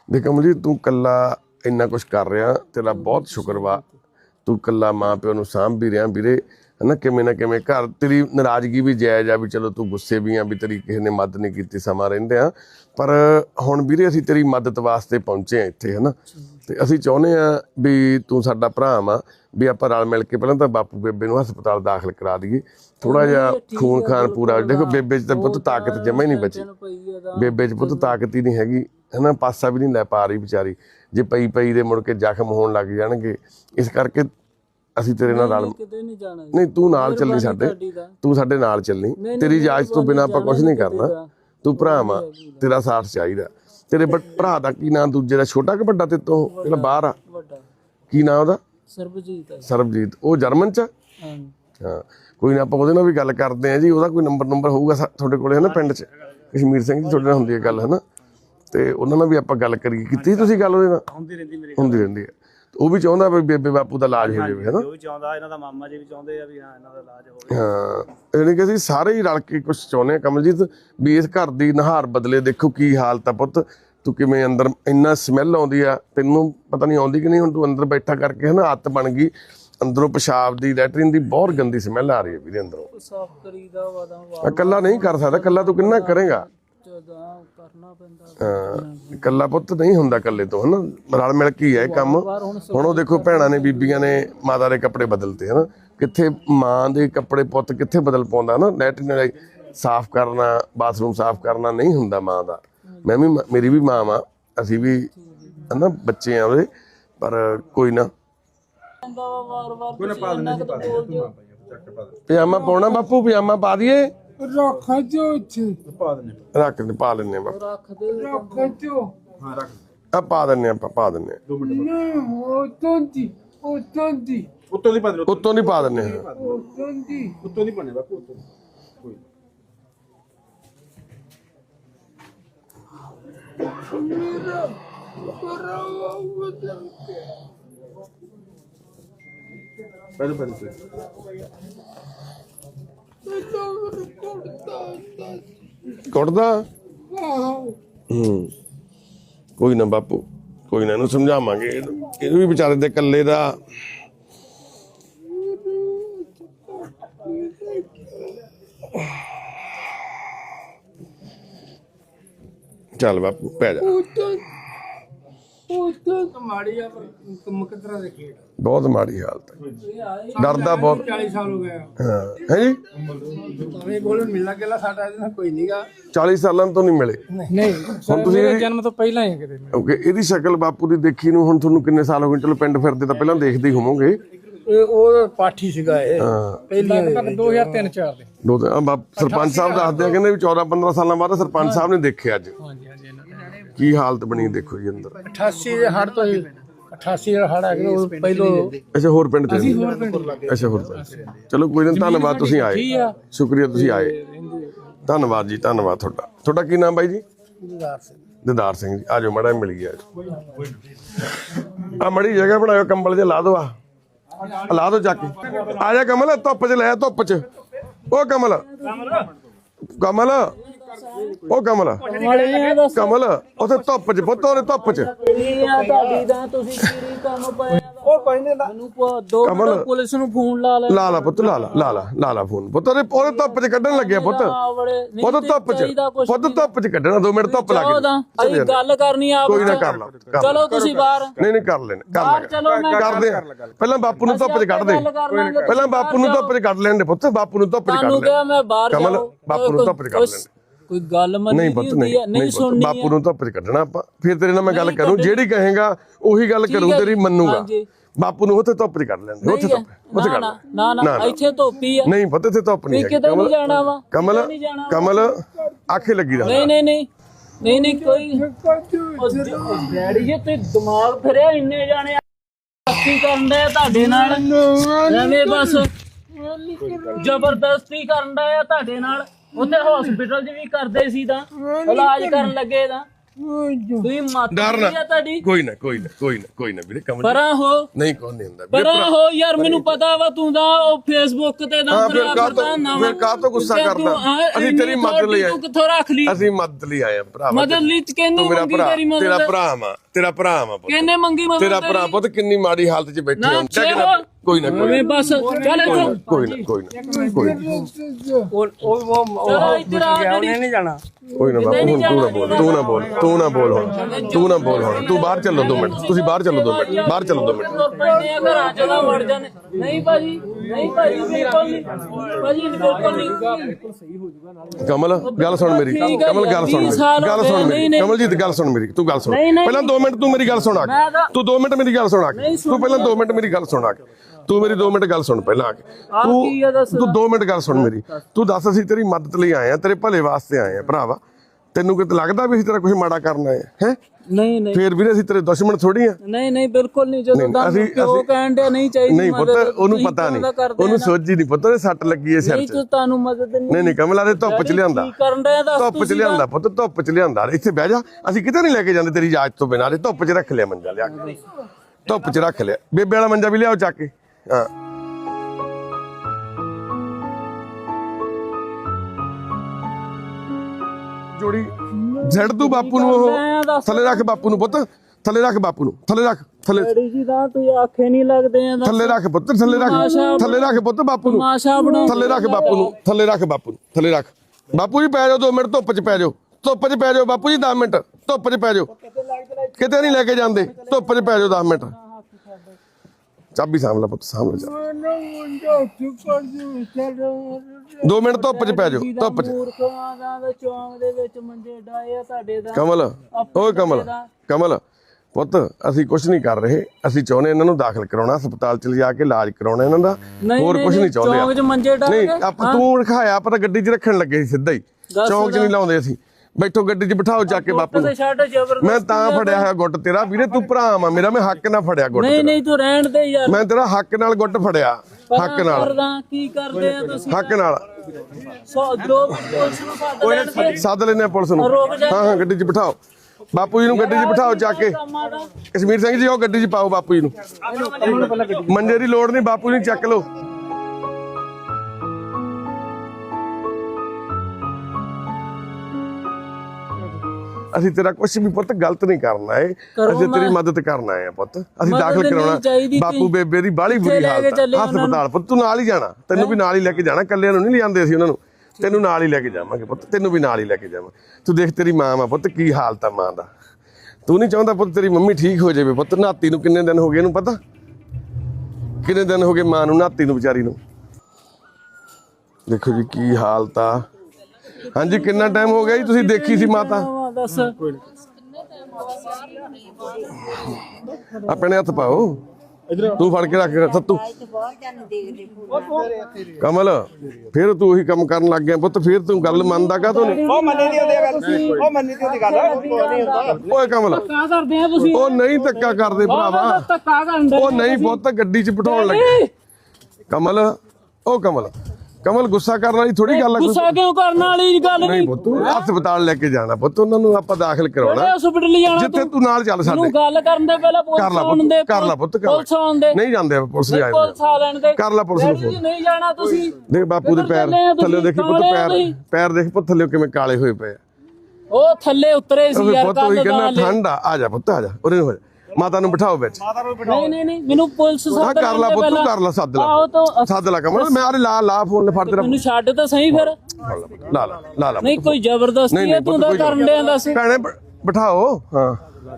ਦੇਖ ਕਮਲਜੀਤ ਤੂੰ ਕੱਲਾ ਇੰਨਾ ਕੁਛ ਕਰ ਰਿਹਾ, ਤੇਰਾ ਬਹੁਤ ਸ਼ੁਕਰ ਵਾ। ਤੂੰ ਕੱਲਾ ਮਾਂ ਪਿਓ ਨੂੰ ਸਾਂਭ ਵੀ ਰਿਹਾ ਵੀਰੇ, ਹਨਾ। ਕਿਵੇਂ ਨਾ ਕਿਵੇਂ ਘਰ ਤੇਰੀ ਨਾਰਾਜ਼ਗੀ ਵੀ ਜਾਇਜ਼ ਆ, ਵੀ ਚਲੋ ਤੂੰ ਗੁੱਸੇ ਵੀ ਆ ਵੀ ਤੇਰੀ ਕਿਸੇ ਨੇ ਮਦਦ ਨਹੀਂ ਕੀਤੀ, ਸਮਾਂ ਰਹਿੰਦੇ ਆ। ਪਰ ਹੁਣ ਵੀਰੇ ਅਸੀਂ ਤੇਰੀ ਮਦਦ ਵਾਸਤੇ ਪਹੁੰਚੇ ਆ ਇੱਥੇ, ਹਨਾ। ਤੇ ਅਸੀਂ ਚਾਹੁੰਦੇ ਆ ਵੀ ਤੂੰ ਸਾਡਾ ਭਰਾ ਵਾ, ਵੀ ਆਪਾਂ ਰਲ ਮਿਲ ਕੇ ਪਹਿਲਾਂ ਤਾਂ ਬਾਪੂ ਬੇਬੇ ਨੂੰ ਹਸਪਤਾਲ ਦਾਖਲ ਕਰਾ ਦਈਏ, ਥੋੜਾ ਜਿਹਾ ਖੂਨ ਖਾਨ ਪੂਰਾ। ਦੇਖੋ ਬੇਬੇ 'ਚ ਤਾਂ ਪੁੱਤ ਤਾਕਤ ਜਮਾ ਹੀ ਨਹੀਂ ਬਚੀ, ਬੇਬੇ 'ਚ ਪੁੱਤ ਤਾਕਤ ਹੀ ਨਹੀਂ ਹੈਗੀ, ਹਨਾ। ਪਾਸਾ ਵੀ ਨਹੀਂ ਲੈ ਪਾ ਰਹੀ ਵਿਚਾਰੀ। ਜੇ ਪਈ ਦੇ ਮੁੜ ਕੇ ਜ਼ਖਮ ਹੋਣ ਲੱਗ ਜਾਣਗੇ, ਇਸ ਕਰਕੇ ਅਸੀਂ ਤੇਰੇ ਨਾਲ ਰਲ ਨਹੀਂ, ਤੂੰ ਨਾਲ ਚੱਲੀ ਸਾਡੇ, ਤੂੰ ਸਾਡੇ ਨਾਲ ਚੱਲੀ। ਤੇਰੀ ਇਜਾਜ਼ਤ ਤੋਂ ਬਿਨਾਂ ਆਪਾਂ ਕੁਝ ਨਹੀਂ ਕਰਨਾ। ਤੂੰ ਭਰਾ ਵਾ, ਤੇਰਾ ਸਾਥ ਚਾਹੀਦਾ। ਤੇਰੇ ਭਰਾ ਦਾ ਕੀ ਨਾਂ ਦੂਜੇ ਦਾ, ਛੋਟਾ ਕਿ ਵੱਡਾ ਤੇ ਤੋਂ ਜਿਹੜਾ ਬਾਹਰ ਆ? ਕੀ ਨਾਂ ਉਹਦਾ? ਸਰਬਜੀਤ। ਉਹ ਜਰਮਨ ਚ? ਹਾਂ ਕੋਈ ਨਾ, ਆਪਾਂ ਉਹਦੇ ਨਾਲ ਵੀ ਗੱਲ ਕਰਦੇ ਆ ਜੀ। ਉਹਦਾ ਕੋਈ ਨੰਬਰ ਹੋਊਗਾ ਤੁਹਾਡੇ ਕੋਲੇ, ਹਨਾ, ਪਿੰਡ ਚ? ਕਸ਼ਮੀਰ ਸਿੰਘ ਜੀ ਤੁਹਾਡੇ ਨਾਲ ਹੁੰਦੀ ਹੈ ਗੱਲ, ਹਨਾ। ਤੇ ਉਹਨਾਂ ਨਾਲ ਵੀ ਆਪਾਂ ਗੱਲ ਕਰੀਏ। ਕੀਤੀ ਤੁਸੀਂ ਗੱਲ ਉਹਦੇ ਨਾਲ? ਹੁੰਦੀ ਰਹਿੰਦੀ ਹੈ। ਉਹ ਵੀ ਚਾਹੁੰਦਾ ਵੀ ਬੇਬੇ ਬਾਪੂ ਦਾ ਇਲਾਜ ਹੋ ਜਾਵੇ, ਹਨਾ। ਉਹ ਵੀ ਚਾਹੁੰਦਾ, ਇਹਨਾਂ ਦਾ ਮਾਮਾ ਜੀ ਵੀ ਚਾਹੁੰਦੇ ਆ ਵੀ ਹਾਂ ਇਹਨਾਂ ਦਾ ਇਲਾਜ ਹੋਵੇ। ਹਾਂ ਯਾਨੀ ਕਿ ਅਸੀਂ ਸਾਰੇ ਹੀ ਰਲ ਕੇ ਕੁਛ ਚਾਹੁੰਦੇ ਆ ਕਮਲਜੀਤ, ਵੀ ਇਸ ਘਰ ਦੀ ਨਹਾਰ ਬਦਲੇ। ਦੇਖੋ ਕੀ ਹਾਲਤ ਆ ਪੁੱਤ, ਤੂੰ ਕਿਵੇਂ ਅੰਦਰ ਇੰਨਾ ਸਮੈਲ ਆਉਂਦੀ ਆ, ਤੈਨੂੰ ਪਤਾ ਨਹੀਂ ਆਉਂਦੀ ਕਿ ਨਹੀਂ। ਹੁਣ ਤੂੰ ਅੰਦਰ ਬੈਠਾ ਕਰਕੇ, ਹਨਾ, ਆਦਤ ਬਣ ਗਈ। ਅੰਦਰੋਂ ਪਿਸ਼ਾਬ ਦੀ, ਲੈਟਰਿਨ ਦੀ ਬਹੁਤ ਗੰਦੀ ਸਮੈਲ ਆ ਰਹੀ ਹੈ ਵੀਰੇ ਅੰਦਰੋਂ। ਇਕੱਲਾ ਨਹੀਂ ਕਰ ਸਕਦਾ, ਇਕੱਲਾ ਤੂੰ ਕਿੰਨਾ ਕਰੇਗਾ? ਇਕੱਲਾ ਪੁੱਤ ਨਹੀਂ ਹੁੰਦਾ ਇਕੱਲੇ ਤੋਂ, ਹਨਾ। ਰਲ ਮਿਲ ਕੇ ਹੀ ਹੈ ਇਹ ਕੰਮ। ਹੁਣ ਉਹ ਦੇਖੋ ਭੈਣਾਂ ਨੇ, ਬੀਬੀਆਂ ਨੇ ਮਾਤਾ ਦੇ ਕੱਪੜੇ ਬਦਲਤੇ, ਹਨਾ। ਕਿੱਥੇ ਮਾਂ ਦੇ ਕੱਪੜੇ ਪੁੱਤ ਕਿੱਥੇ ਬਦਲ ਪਾਉਂਦਾ, ਹਨਾ। ਲੈਟਰਿਨ ਸਾਫ਼ ਕਰਨਾ, ਬਾਥਰੂਮ ਸਾਫ਼ ਕਰਨਾ ਨਹੀਂ ਹੁੰਦਾ ਮਾਂ ਦਾ। ਮੈਂ ਵੀ, ਮੇਰੀ ਵੀ ਮਾਂ ਵਾ, ਅਸੀਂ ਵੀ, ਹਨਾ, ਬੱਚੇ ਆ ਉਹਦੇ। ਪਰ ਕੋਈ ਨਾ, ਪਜਾਮਾ ਪਾਉਣਾ ਬਾਪੂ? ਪਜਾਮਾ ਪਾ ਦਈਏ? ਰੱਖ ਦਿਓ ਇੱਥੇ, ਰੱਖ ਦੇ, ਪਾ ਲੈਂਦੇ ਆ ਬਾਪੂ। ਰੱਖ ਦਿਓ। ਆ ਪਾ ਦਿੰਦੇ ਆਪਾਂ, ਪਾ ਦਿੰਦੇ ਆ। ਨਹੀਂ ਉੱਤੋਂ ਦੀ ਉੱਤੋਂ ਦੀ ਪਾ ਦਿੰਦੇ ਆ। ਉੱਤੋਂ ਦੀ ਬਣੇ ਬਾਪੂ, ਉੱਤੋਂ ਕੋਈ ਮੇਰਾ ਪਰਾਵਾ ਬਦਲ ਕੇ ਕੁੱਟਦਾ? ਕੋਈ ਨਾ ਬਾਪੂ, ਕੋਈ ਨਾ, ਇਹਨੂੰ ਸਮਝਾਵਾਂਗੇ। ਇਹਨੂੰ ਵੀ ਵਿਚਾਰੇ ਦੇ ਇਕੱਲੇ ਦਾ। ਚੱਲ ਬਾਪੂ ਪੈ ਜਾ। ਮਾੜੀ ਆ ਮੁਕਦਰਾ ਦੇ ਖੇਡ, ਬਹੁਤ ਮਾੜੀ ਹਾਲਤ ਹੈ, ਡਰਦਾ ਬਹੁਤ। 40 ਸਾਲ ਹੋ ਗਏ। ਹਾਂ ਹੈ ਜੀ, ਭਾਵੇਂ ਕੋਲ ਮਿਲਣਾ गेला ਸਾਡਾ ਇਹਦੇ ਨਾਲ ਕੋਈ ਨਹੀਂਗਾ। 40 ਸਾਲਾਂ ਤੋਂ ਨਹੀਂ ਮਿਲੇ? ਨਹੀਂ, ਹੁਣ ਤੁਸੀਂ ਜਨਮ ਤੋਂ ਪਹਿਲਾਂ ਹੀ ਕਿਤੇ। ਓਕੇ, ਇਹਦੀ ਸ਼ਕਲ ਬਾਪੂ ਦੀ ਦੇਖੀ ਨੂੰ ਹੁਣ ਤੁਹਾਨੂੰ ਕਿੰਨੇ ਸਾਲ ਹੋ ਗਏ? ਚਲੋ ਪਿੰਡ ਫਿਰਦੇ ਤਾਂ ਪਹਿਲਾਂ ਦੇਖਦੇ ਹੀ ਹੋਵੋਗੇ। ਉਹ ਪਾਠੀ ਸੀਗਾ ਇਹ, ਪਹਿਲਾਂ 2003-4 ਦੇ। ਸਰਪੰਚ ਸਾਹਿਬ ਦੱਸਦੇ ਆ, ਕਹਿੰਦੇ ਵੀ 14-15 ਸਾਲਾਂ ਬਾਅਦ ਸਰਪੰਚ ਸਾਹਿਬ ਨੇ ਦੇਖਿਆ ਅੱਜ। ਕੀ ਹਾਲਤ ਬਣੀ ਦੇਖੋ ਜੀ ਅੰਦਰ। 88 ਦੇ ਹੜ ਤੋਂ ਹੀ, 88 ਦਾ ਹੜ ਆ ਗਿਆ ਉਹ ਪਹਿਲੋਂ। ਅੱਛਾ ਹੋਰ ਪਿੰਡ ਤੇ? ਅੱਛਾ ਹੋਰ ਪਿੰਡ। ਚਲੋ ਕੋਈ ਨਹੀਂ, ਧੰਨਵਾਦ ਤੁਸੀਂ ਆਏ, ਸ਼ੁਕਰੀਆ ਤੁਸੀਂ ਆਏ, ਧੰਨਵਾਦ ਜੀ, ਧੰਨਵਾਦ ਤੁਹਾਡਾ। ਤੁਹਾਡਾ ਕੀ ਨਾਮ ਬਾਈ ਜੀ? ਦਿਦਾਰ ਸਿੰਘ ਜੀ। ਆ ਜਾਓ ਮਾੜਾ ਮਿਲ ਗਿਆ। ਆ ਮੜੀ ਜਗ੍ਹਾ ਬਣਾਇਓ, ਕੰਬਲ ਜਿਹਾ ਲਾ ਦੋ, ਲਾ ਦੋ ਚੱਕ ਕੇ। ਆ ਜਾ ਕਮਲ, ਧੁੱਪ ਚ ਲੈ, ਧੁੱਪ ਚ। ਉਹ ਕਮਲ, ਕਮਲ, ਉਹ ਕਮਲ, ਕਮਲ ਉੱਥੇ ਧੁੱਪ ਚ ਪੁੱਤ, ਉਹਨੇ ਧੁੱਪ ਚ। ਉਹ ਕੋਈ ਨਹੀਂ, ਕਮਲ ਪੁਲਿਸ ਨੂੰ ਫੋਨ ਲਾ ਲੈ। ਲਾ ਪੁੱਤ, ਲਾ ਫੋਨ ਪੁੱਤ। ਉਹਦੇ ਧੁੱਪ ਚ ਕੱਢਣ ਲੱਗਿਆ ਪੁੱਤ, ਪੁੱਤ ਧੁੱਪ ਚ, ਪੁੱਤ ਧੁੱਪ ਚ ਕੱਢਣਾ। 2 ਮਿੰਟ ਧੁੱਪ ਲੱਗ ਅਸੀਂ ਗੱਲ ਕਰਨੀ ਆ। ਕੋਈ ਨਾ ਕਰ ਲਾ, ਚਲੋ ਤੁਸੀਂ ਬਾਹਰ। ਨਹੀਂ ਕਰ ਲੈਣ, ਕਰਦੇ ਆ। ਪਹਿਲਾਂ ਬਾਪੂ ਨੂੰ ਧੁੱਪ ਚ ਕੱਢ ਦੇ, ਪਹਿਲਾਂ ਬਾਪੂ ਨੂੰ ਧੁੱਪ ਚ ਕੱਢ ਲੈਣ ਦੇ ਪੁੱਤ, ਬਾਪੂ ਨੂੰ ਧੁੱਪ ਚ ਕੱਢ ਲੈ। ਮੈਂ ਬਾਹਰ ਕਮਲ ਬਾਪੂ ਨੂੰ ਧੁੱਪ ਚ ਕੱਢ ਲੈਣ। ਕੋਈ ਗੱਲ ਨਹੀਂ ਪੁੱਤ, ਨਹੀਂ ਸੁਣਨੀ। ਬਾਪੂ ਨੂੰ ਧੁੱਪ ਚ ਕੱਢਣਾ ਆਪਾਂ, ਫਿਰ ਤੇਰੇ ਨਾਲ ਮੈਂ ਗੱਲ ਕਰੂੰ, ਜਿਹੜੀ ਕਹੇਗਾ ਉਹੀ ਗੱਲ ਕਰੂੰ, ਤੇਰੀ ਮੰਨੂਗਾ। ਬਾਪੂ ਨੂੰ ਉੱਥੇ ਧੁੱਪ ਚ ਕੱਢ ਲੈਂਦੇ, ਉੱਥੇ ਧੁੱਪ, ਉੱਥੇ ਕੱਢ। ਨਾ ਇੱਥੇ ਧੋਪੀ ਆ। ਨਹੀਂ ਪੁੱਤ, ਇੱਥੇ ਧੁੱਪ ਨਹੀਂ ਕਿਤੇ ਨਹੀਂ ਜਾਣਾ ਵਾ ਕਮਲ, ਕਮਲ ਆਖੇ ਲੱਗੀ ਰਹਿ। ਨਹੀਂ ਕੋਈ ਡੈਡੀ ਜੀ ਤੇ ਦਿਮਾਗ ਫਿਰਿਆ, ਇੰਨੇ ਜਾਣੇ ਜ਼ਬਰਦਸਤੀ ਕਰਨ ਦੇ ਤੁਹਾਡੇ ਨਾਲ, ਐਵੇਂ ਬਸ ਜ਼ਬਰਦਸਤੀ ਕਰਨ ਦਾ ਆ ਤੁਹਾਡੇ ਨਾਲ। ਉੱਥੇ ਹਸਪੀਟਲ 'ਚ ਵੀ ਕਰਦੇ ਸੀ ਤਾਂ ਇਲਾਜ ਕਰਨ ਲੱਗੇ ਤਾਂ ਤੁਸੀਂ ਮਤ ਡਰਨਾ ਤੁਹਾਡੀ ਕੋਈ ਨਾ ਵੀਰੇ ਕਮਲ ਪਰਾਂ ਹੋ ਨਹੀਂ ਕੋਈ ਨਹੀਂ ਹੁੰਦਾ ਵੀਰੇ ਪਰਾਂ ਹੋ ਯਾਰ ਮੈਨੂੰ ਪਤਾ ਵਾ ਤੂੰ ਤਾਂ ਉਹ ਫੇਸਬੁੱਕ ਤੇ ਦਾ ਹਾਂ ਫਿਰ ਕਾਹ ਤੋਂ ਗੁੱਸਾ ਕਰਦਾ ਅਸੀਂ ਤੇਰੀ ਮਦਦ ਲਈ ਆਏ ਤੂੰ ਕਿੱਥੋਂ ਰੱਖ ਲਈ ਅਸੀਂ ਮਦਦ ਲਈ ਆਏ ਆ ਭਰਾ ਮਦਦ ਲਈ ਕਿੰਨੇ ਤੂੰ ਮੇਰਾ ਮੰਗੀ ਭਰਾ ਤੇਰੀ ਮਦਦ ਤੇਰਾ ਭਰਾ ਵਾ ਪੁੱਤ ਕਿੰਨੇ ਮੰਗੀ ਮਦਦ ਤੇਰਾ ਭਰਾ ਪੁੱਤ ਕਿੰਨੀ ਮਾੜੀ ਹਾਲਤ 'ਚ ਬੈਠੇ ਹੋ ਕੋਈ ਨਾ ਮੈਂ ਬਸ ਚੱਲ ਇੱਥੋਂ ਕੋਈ ਨਾ ਚਲੋ ਇੱਧਰ ਆ ਜਿਹੜੀ ਨਹੀਂ ਜਾਣਾ ਕੋਈ ਨਾ ਬਾਪੂ ਹੁਣ ਤੂੰ ਨਾ ਬੋਲ ਹੁਣ ਤੂੰ ਬਾਹਰ ਚੱਲੋ 2 ਮਿੰਟ ਤੁਸੀਂ ਬਾਹਰ ਚੱਲੋ 2 ਮਿੰਟ ਬਾਹਰ ਚੱਲੋ 2 ਮਿੰਟ ਪੈਣੇ ਆ ਘਰਾਂ ਚ ਨਾ ਵੜ ਜਾਣੇ ਨਹੀਂ ਭਾਜੀ ਬਿਲਕੁਲ ਨਹੀਂ ਭਾਜੀ ਬਿਲਕੁਲ ਨਹੀਂ ਕਮਲ ਗੱਲ ਸੁਣ ਮੇਰੀ ਕਮਲ ਗੱਲ ਸੁਣ ਮੇਰੀ ਕਮਲਜੀਤ ਗੱਲ ਸੁਣ ਮੇਰੀ ਤੂੰ ਗੱਲ ਸੁਣ ਪਹਿਲਾਂ 2 ਮਿੰਟ ਤੂੰ ਮੇਰੀ ਗੱਲ ਸੁਣ ਆ ਕੇ ਤੂੰ 2 ਮਿੰਟ ਮੇਰੀ ਗੱਲ ਸੁਣ ਆ ਕੇ ਤੂੰ ਪਹਿਲਾਂ 2 ਮਿੰਟ ਮੇਰੀ ਗੱਲ ਸੁਣ ਆ ਕੇ ਤੂੰ ਮੇਰੀ 2 ਮਿੰਟ ਗੱਲ ਸੁਣ ਪਹਿਲਾਂ ਆ ਕੇ ਤੂੰ 2 ਮਿੰਟ ਗੱਲ ਸੁਣ ਮੇਰੀ ਤੂੰ ਦੱਸ ਅਸੀਂ ਤੇਰੀ ਮਦਦ ਲਈ ਆਏ ਆ ਤੇਰੇ ਭਲੇ ਵਾਸਤੇ ਆਏ ਆ ਭਰਾਵਾ ਤੈਨੂੰ ਕਿਤੇ ਲੱਗਦਾ ਵੀ ਅਸੀਂ ਤੇਰਾ ਕੁਝ ਮਾੜਾ ਕਰਨਾ ਹੈ ਨਹੀਂ ਫੇਰ ਵੀਰੇ ਅਸੀਂ ਤੇਰੇ ਦੁਸ਼ਮਣ ਥੋੜੀ ਆ ਨਹੀਂ ਬਿਲਕੁਲ ਨਹੀਂ ਜਦੋਂ ਉਹ ਕਹਿਣ ਦੇ ਨਹੀਂ ਚਾਹੀਦੀ ਨਹੀਂ ਪੁੱਤ ਉਹਨੂੰ ਪਤਾ ਨਹੀਂ ਉਹਨੂੰ ਸੋਝੀ ਨਹੀਂ ਪੁੱਤ ਉਹਦੇ ਸੱਟ ਲੱਗੀ ਹੈ ਸਿਰ 'ਚ ਤੁਹਾਨੂੰ ਮਦਦ ਨਹੀਂ ਕਮਲਾ ਦੇ ਧੁੱਪ 'ਚ ਲਿਆਂਦਾ ਕਰਨ ਰਿਹਾ ਦੱਸ ਧੁੱਪ 'ਚ ਲਿਆਂਦਾ ਪੁੱਤ ਧੁੱਪ 'ਚ ਲਿਆਂਦਾ ਇੱਥੇ ਬਹਿ ਜਾ ਅਸੀਂ ਕਿਤੇ ਨਹੀਂ ਲੈ ਕੇ ਜਾਂਦੇ ਤੇਰੀ ਇਜਾਜ਼ਤ ਤੋਂ ਬਿਨਾਂ ਧੁੱਪ 'ਚ ਰੱਖ ਲਿਆ ਮੰਜਾ ਲਿਆ ਕੇ ਧੁੱਪ 'ਚ ਰੱਖ ਲਿਆ ਬੇਬੇ ਵਾਲਾ ਮੰਜਾ ਵੀ ਲਿਆਓ ਚੱਕ ਕੇ ਹਾਂ ਜੋੜੀ झड़ तू बापू नु थले रख बापू नु पुत थले रख बापू नु थले रख थले डैडी जी दा तू आखे नहीं लगदे आ थले रख पुत थले रख पुत बापू नु थले रख बापू नु थले रख बापू नु थले रख बापू जी पै जाओ 2 मिनट धुप च पै जाओ धुप च पै जाओ बापू जी 10 मिनट धुप च पै जाओ किते नहीं लेके जांदे धुप च पै जाओ 10 मिनट चाबी सामभ ला पुत सामभ ला 2 मिनट धुप च पै जाओ धुप च ਚੌਂਕ ਦੇ ਵਿੱਚ ਮੰਜੇ ਡਾਏ ਆ ਤੁਹਾਡੇ ਦਾ ਕਮਲ ਓਏ ਕਮਲ ਪੁੱਤ ਅਸੀਂ ਕੁਝ ਨਹੀਂ ਕਰ ਰਹੇ ਅਸੀਂ ਚਾਹੁੰਦੇ ਇਹਨਾਂ ਨੂੰ ਦਾਖਲ ਕਰਾਉਣਾ ਹਸਪਤਾਲ ਚ ਲਿਜਾ ਕੇ ਇਲਾਜ ਕਰਾਉਣਾ ਇਹਨਾਂ ਦਾ ਹੋਰ ਕੁਝ ਨਹੀਂ ਚਾਹੁੰਦੇ ਚੌਂਕ 'ਚ ਮੰਜੇ ਡਾਏ ਨਹੀਂ ਆਪਾਂ ਤੂੰ ਰਖਾਇਆ ਆਪਾਂ ਤਾਂ ਗੱਡੀ 'ਚ ਰੱਖਣ ਲੱਗੇ ਸੀ ਸਿੱਧਾ ਹੀ ਚੌਂਕ 'ਚ ਨਹੀਂ ਲਾਉਂਦੇ ਅਸੀਂ ਬੈਠੋ ਗੱਡੀ 'ਚ ਬਿਠਾਓ ਚੱਕ ਕੇ ਬਾਪੂ ਨੂੰ ਮੈਂ ਤਾਂ ਫੜਿਆ ਹੋਇਆ ਗੁੱਟ ਤੇਰਾ ਵੀਰੇ ਤੂੰ ਭਰਾ ਵਾ ਮੇਰਾ ਮੈਂ ਹੱਕ ਨਾਲ ਫੜਿਆ ਗੁੱਟ ਨਹੀਂ ਤੂੰ ਰਹਿਣ ਦੇ ਯਾਰ ਮੈਂ ਤੇਰਾ ਹੱਕ ਨਾਲ ਗੁੱਟ ਫੜਿਆ ਹੱਕ ਨਾਲ ਕੀ ਕਰਦੇ ਆ ਤੁਸੀਂ ਹੱਕ ਨਾਲ ਪੁਲਿਸ ਨੂੰ ਸੱਦ ਲੈਨੇ ਆ ਪੁਲਿਸ ਨੂੰ ਹਾਂ ਗੱਡੀ 'ਚ ਬਿਠਾਓ ਬਾਪੂ ਜੀ ਨੂੰ ਗੱਡੀ 'ਚ ਬਿਠਾਓ ਚੱਕ ਕੇ ਕਸ਼ਮੀਰ ਸਿੰਘ ਜੀ ਉਹ ਗੱਡੀ 'ਚ ਪਾਓ ਬਾਪੂ ਜੀ ਨੂੰ ਮੰਜੇ ਦੀ ਲੋੜ ਨਹੀਂ ਬਾਪੂ ਜੀ ਚੱਕ ਲਓ ਅਸੀਂ ਤੇਰਾ ਕੁਝ ਵੀ ਪੁੱਤ ਗਲਤ ਨਹੀਂ ਕਰਨਾ ਏ ਅਸੀਂ ਤੇਰੀ ਮਦਦ ਕਰਨਾ ਹੈ ਪੁੱਤ ਅਸੀਂ ਦਾਖਲ ਕਰਾਉਣਾ ਬਾਪੂ ਬੇਬੇ ਦੀ ਬਾਹਲੀ ਬੁਰੀ ਹਾਲਤ ਹਸਪਤਾਲ ਪੁੱਤ ਤੂੰ ਨਾਲ ਹੀ ਜਾਣਾ ਤੈਨੂੰ ਵੀ ਨਾਲ ਹੀ ਲੈ ਕੇ ਜਾਣਾ ਕੱਲਿਆਂ ਨੂੰ ਨਹੀਂ ਲਿਆਂਦੇ ਅਸੀਂ ਉਹਨਾਂ ਨੂੰ ਤੈਨੂੰ ਨਾਲ ਹੀ ਲੈ ਕੇ ਜਾਵਾਂਗੇ ਪੁੱਤ ਤੈਨੂੰ ਵੀ ਨਾਲ ਹੀ ਲੈ ਕੇ ਜਾਵਾਂ ਤੂੰ ਦੇਖ ਤੇਰੀ ਮਾਂ ਆ ਪੁੱਤ ਕੀ ਹਾਲਤ ਆ ਮਾਂ ਦਾ ਤੂੰ ਨਹੀਂ ਚਾਹੁੰਦਾ ਪੁੱਤ ਤੇਰੀ ਮੰਮੀ ਠੀਕ ਹੋ ਜਾਵੇ ਪੁੱਤ ਨਾਤੀ ਨੂੰ ਕਿੰਨੇ ਦਿਨ ਹੋ ਗਏ ਇਹਨੂੰ ਪਤਾ ਕਿੰਨੇ ਦਿਨ ਹੋ ਗਏ ਮਾਂ ਨੂੰ ਨਾਤੀ ਨੂੰ ਵਿਚਾਰੀ ਨੂੰ ਦੇਖੋ ਜੀ ਕੀ ਹਾਲਤ ਆ ਹਾਂਜੀ ਕਿੰਨਾ ਟਾਈਮ ਹੋ ਗਿਆ ਜੀ ਤੁਸੀਂ ਦੇਖੀ ਸੀ ਮਾਤਾ ਦੱਸ ਆਪਣੇ ਹੱਥ ਪਾਓ ਤੂੰ ਫੜ ਕੇ ਰੱਖ ਸੱਤੂ ਕਮਲ ਫਿਰ ਤੂੰ ਉਹੀ ਕੰਮ ਕਰਨ ਲੱਗ ਗਿਆ ਪੁੱਤ ਫਿਰ ਤੂੰ ਗੱਲ ਮੰਨਦਾ ਕਾ ਤੂੰ ਉਹ ਮੰਨੀ ਦੀ ਹੁੰਦੀ ਗੱਲ ਓਏ ਕਮਲ ਧੱਕਾ ਕਰਦੇ ਆ ਤੁਸੀਂ ਉਹ ਨਹੀਂ ਧੱਕਾ ਕਰਦੇ ਭਰਾਵਾ ਧੱਕਾ ਕਰਨ ਦੇ ਉਹ ਨਹੀਂ ਪੁੱਤ ਗੱਡੀ 'ਚ ਬਿਠਾਉਣ ਲੱਗੇ ਕਮਲ ਉਹ ਕਮਲ ਗੁੱਸਾ ਕਰਨ ਵਾਲੀ ਥੋੜੀ ਗੱਲ ਆ ਗੁੱਸਾ ਕਿਉਂ ਕਰਨ ਵਾਲੀ ਗੱਲ ਨਹੀਂ ਪੁੱਤ ਹਸਪਤਾਲ ਲੈ ਕੇ ਜਾਣਾ ਪੁੱਤ ਉਹਨਾਂ ਨੂੰ ਆਪਾਂ ਦਾਖਲ ਕਰਾਉਣਾ ਹਸਪਤਾਲ ਜਾਣਾ ਜਿੱਥੇ ਤੂੰ ਨਾਲ ਚੱਲ ਸਾਡੇ ਗੱਲ ਕਰਨ ਦੇ ਪਹਿਲਾਂ ਕਰ ਲਾ ਪੁੱਤ ਪੁਲਿਸ ਆਉਂਦੇ ਨਹੀਂ ਜਾਂਦੇ ਪੁਲਿਸ ਨਹੀਂ ਪੁਲਿਸ ਆ ਲੈਣ ਦੇ ਕਰ ਲਾ ਪੁਲਿਸ ਨੂੰ ਫੋਨ ਨਹੀਂ ਜਾਣਾ ਤੁਸੀਂ ਦੇਖ ਬਾਪੂ ਦੇ ਪੈਰ ਥੱਲੇ ਦੇਖੀ ਪੁੱਤ ਪੈਰ ਦੇਖ ਪੁੱਤ ਥੱਲੇ ਕਿਵੇਂ ਕਾਲੇ ਹੋਏ ਪਏ ਉਹ ਥੱਲੇ ਉਤਰੇ ਸੀ ਯਾਰ ਪੁੱਤ ਉਹੀ ਕਹਿੰਦਾ ਠੰਡ ਆ ਜਾ ਪੁੱਤ ਆ ਜਾ ਉਰੇ ਹੋ ਜਾ ਮਾਤਾ ਨੂੰ ਬਿਠਾਓ ਵਿੱਚ ਨਹੀਂ ਮੈਨੂੰ ਪੁਲਿਸ ਸੱਦ ਕਰ ਲਾ ਪੁੱਤ ਕਰ ਲਾ ਸੱਦ ਲਾ ਕਮਲ ਮੈਂ ਆਰੇ ਲਾ ਫੋਨ ਫੜ ਤੇਰਾ ਮੈਨੂੰ ਛੱਡ ਤਾਂ ਸਹੀ ਫਿਰ ਲਾ ਨਹੀਂ ਕੋਈ ਜ਼ਬਰਦਸਤੀ ਹੈ ਤੂੰ ਤਾਂ ਕਰਨ ਦੇ ਦੱਸ ਭੈਣੇ ਬਿਠਾਓ ਹਾਂ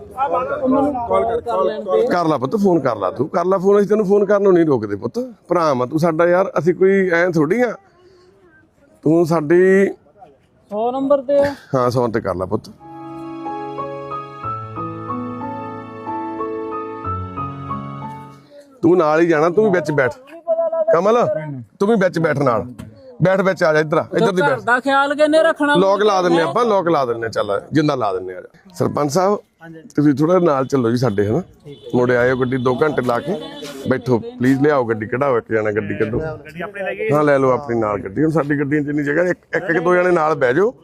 ਕਰ ਲਾ ਪੁੱਤ ਫੋਨ ਕਰ ਲਾ ਤੂੰ ਕਰ ਲਾ ਫੋਨ ਅਸੀਂ ਤੈਨੂੰ ਫੋਨ ਕਰਨ ਨੂੰ ਨਹੀਂ ਰੋਕਦੇ ਪੁੱਤ ਭਰਾ ਵਾ ਤੂੰ ਸਾਡਾ ਯਾਰ ਅਸੀਂ ਕੋਈ ਐ ਥੋੜੀ ਆ ਤੂੰ ਸਾਡੀ 100 ਨੰਬਰ ਤੇ ਹਾਂ 100 ਤੇ ਕਰ ਲਾ ਪੁੱਤ ਤੂੰ ਨਾਲ ਹੀ ਜਾਣਾ ਤੂੰ ਵੀ ਵਿੱਚ ਬੈਠ ਕਮਲ ਤੂੰ ਵੀ ਵਿੱਚ ਬੈਠ ਨਾਲ ਬੈਠ ਵਿੱਚ ਆ ਜਾ ਇੱਧਰ ਦੀ ਬੈਠ ਦਾ ਖਿਆਲ ਕਿੰਨੇ ਰੱਖਣਾ ਲੋਕ ਲਾ ਦਿੰਨੇ ਆਪਾਂ ਲੋਕ ਲਾ ਦਿੰਨੇ ਚੱਲ ਜਿੰਦਾ ਲਾ ਦਿੰਨੇ ਆ ਸਰਪੰਚ ਸਾਹਿਬ ਤੁਸੀਂ ਥੋੜਾ ਨਾਲ ਚੱਲੋ ਜੀ ਸਾਡੇ ਹਨਾ ਮੁੜੇ ਆਇਓ ਗੱਡੀ 2 ਘੰਟੇ ਲਾ ਕੇ ਬੈਠੋ ਪਲੀਜ਼ ਲਿਆਓ ਗੱਡੀ ਕਢਾਓ ਇੱਕ ਜਣਾ ਗੱਡੀ ਕੱਢੋ ਹਾਂ ਲੈ ਲਓ ਆਪਣੀ ਨਾਲ ਗੱਡੀ ਹੁਣ ਸਾਡੀ ਗੱਡੀਆਂ 'ਚ ਇੰਨੀ ਜਗ੍ਹਾ ਇੱਕ 2 ਜਣੇ ਨਾਲ ਬਹਿ ਜਾਓ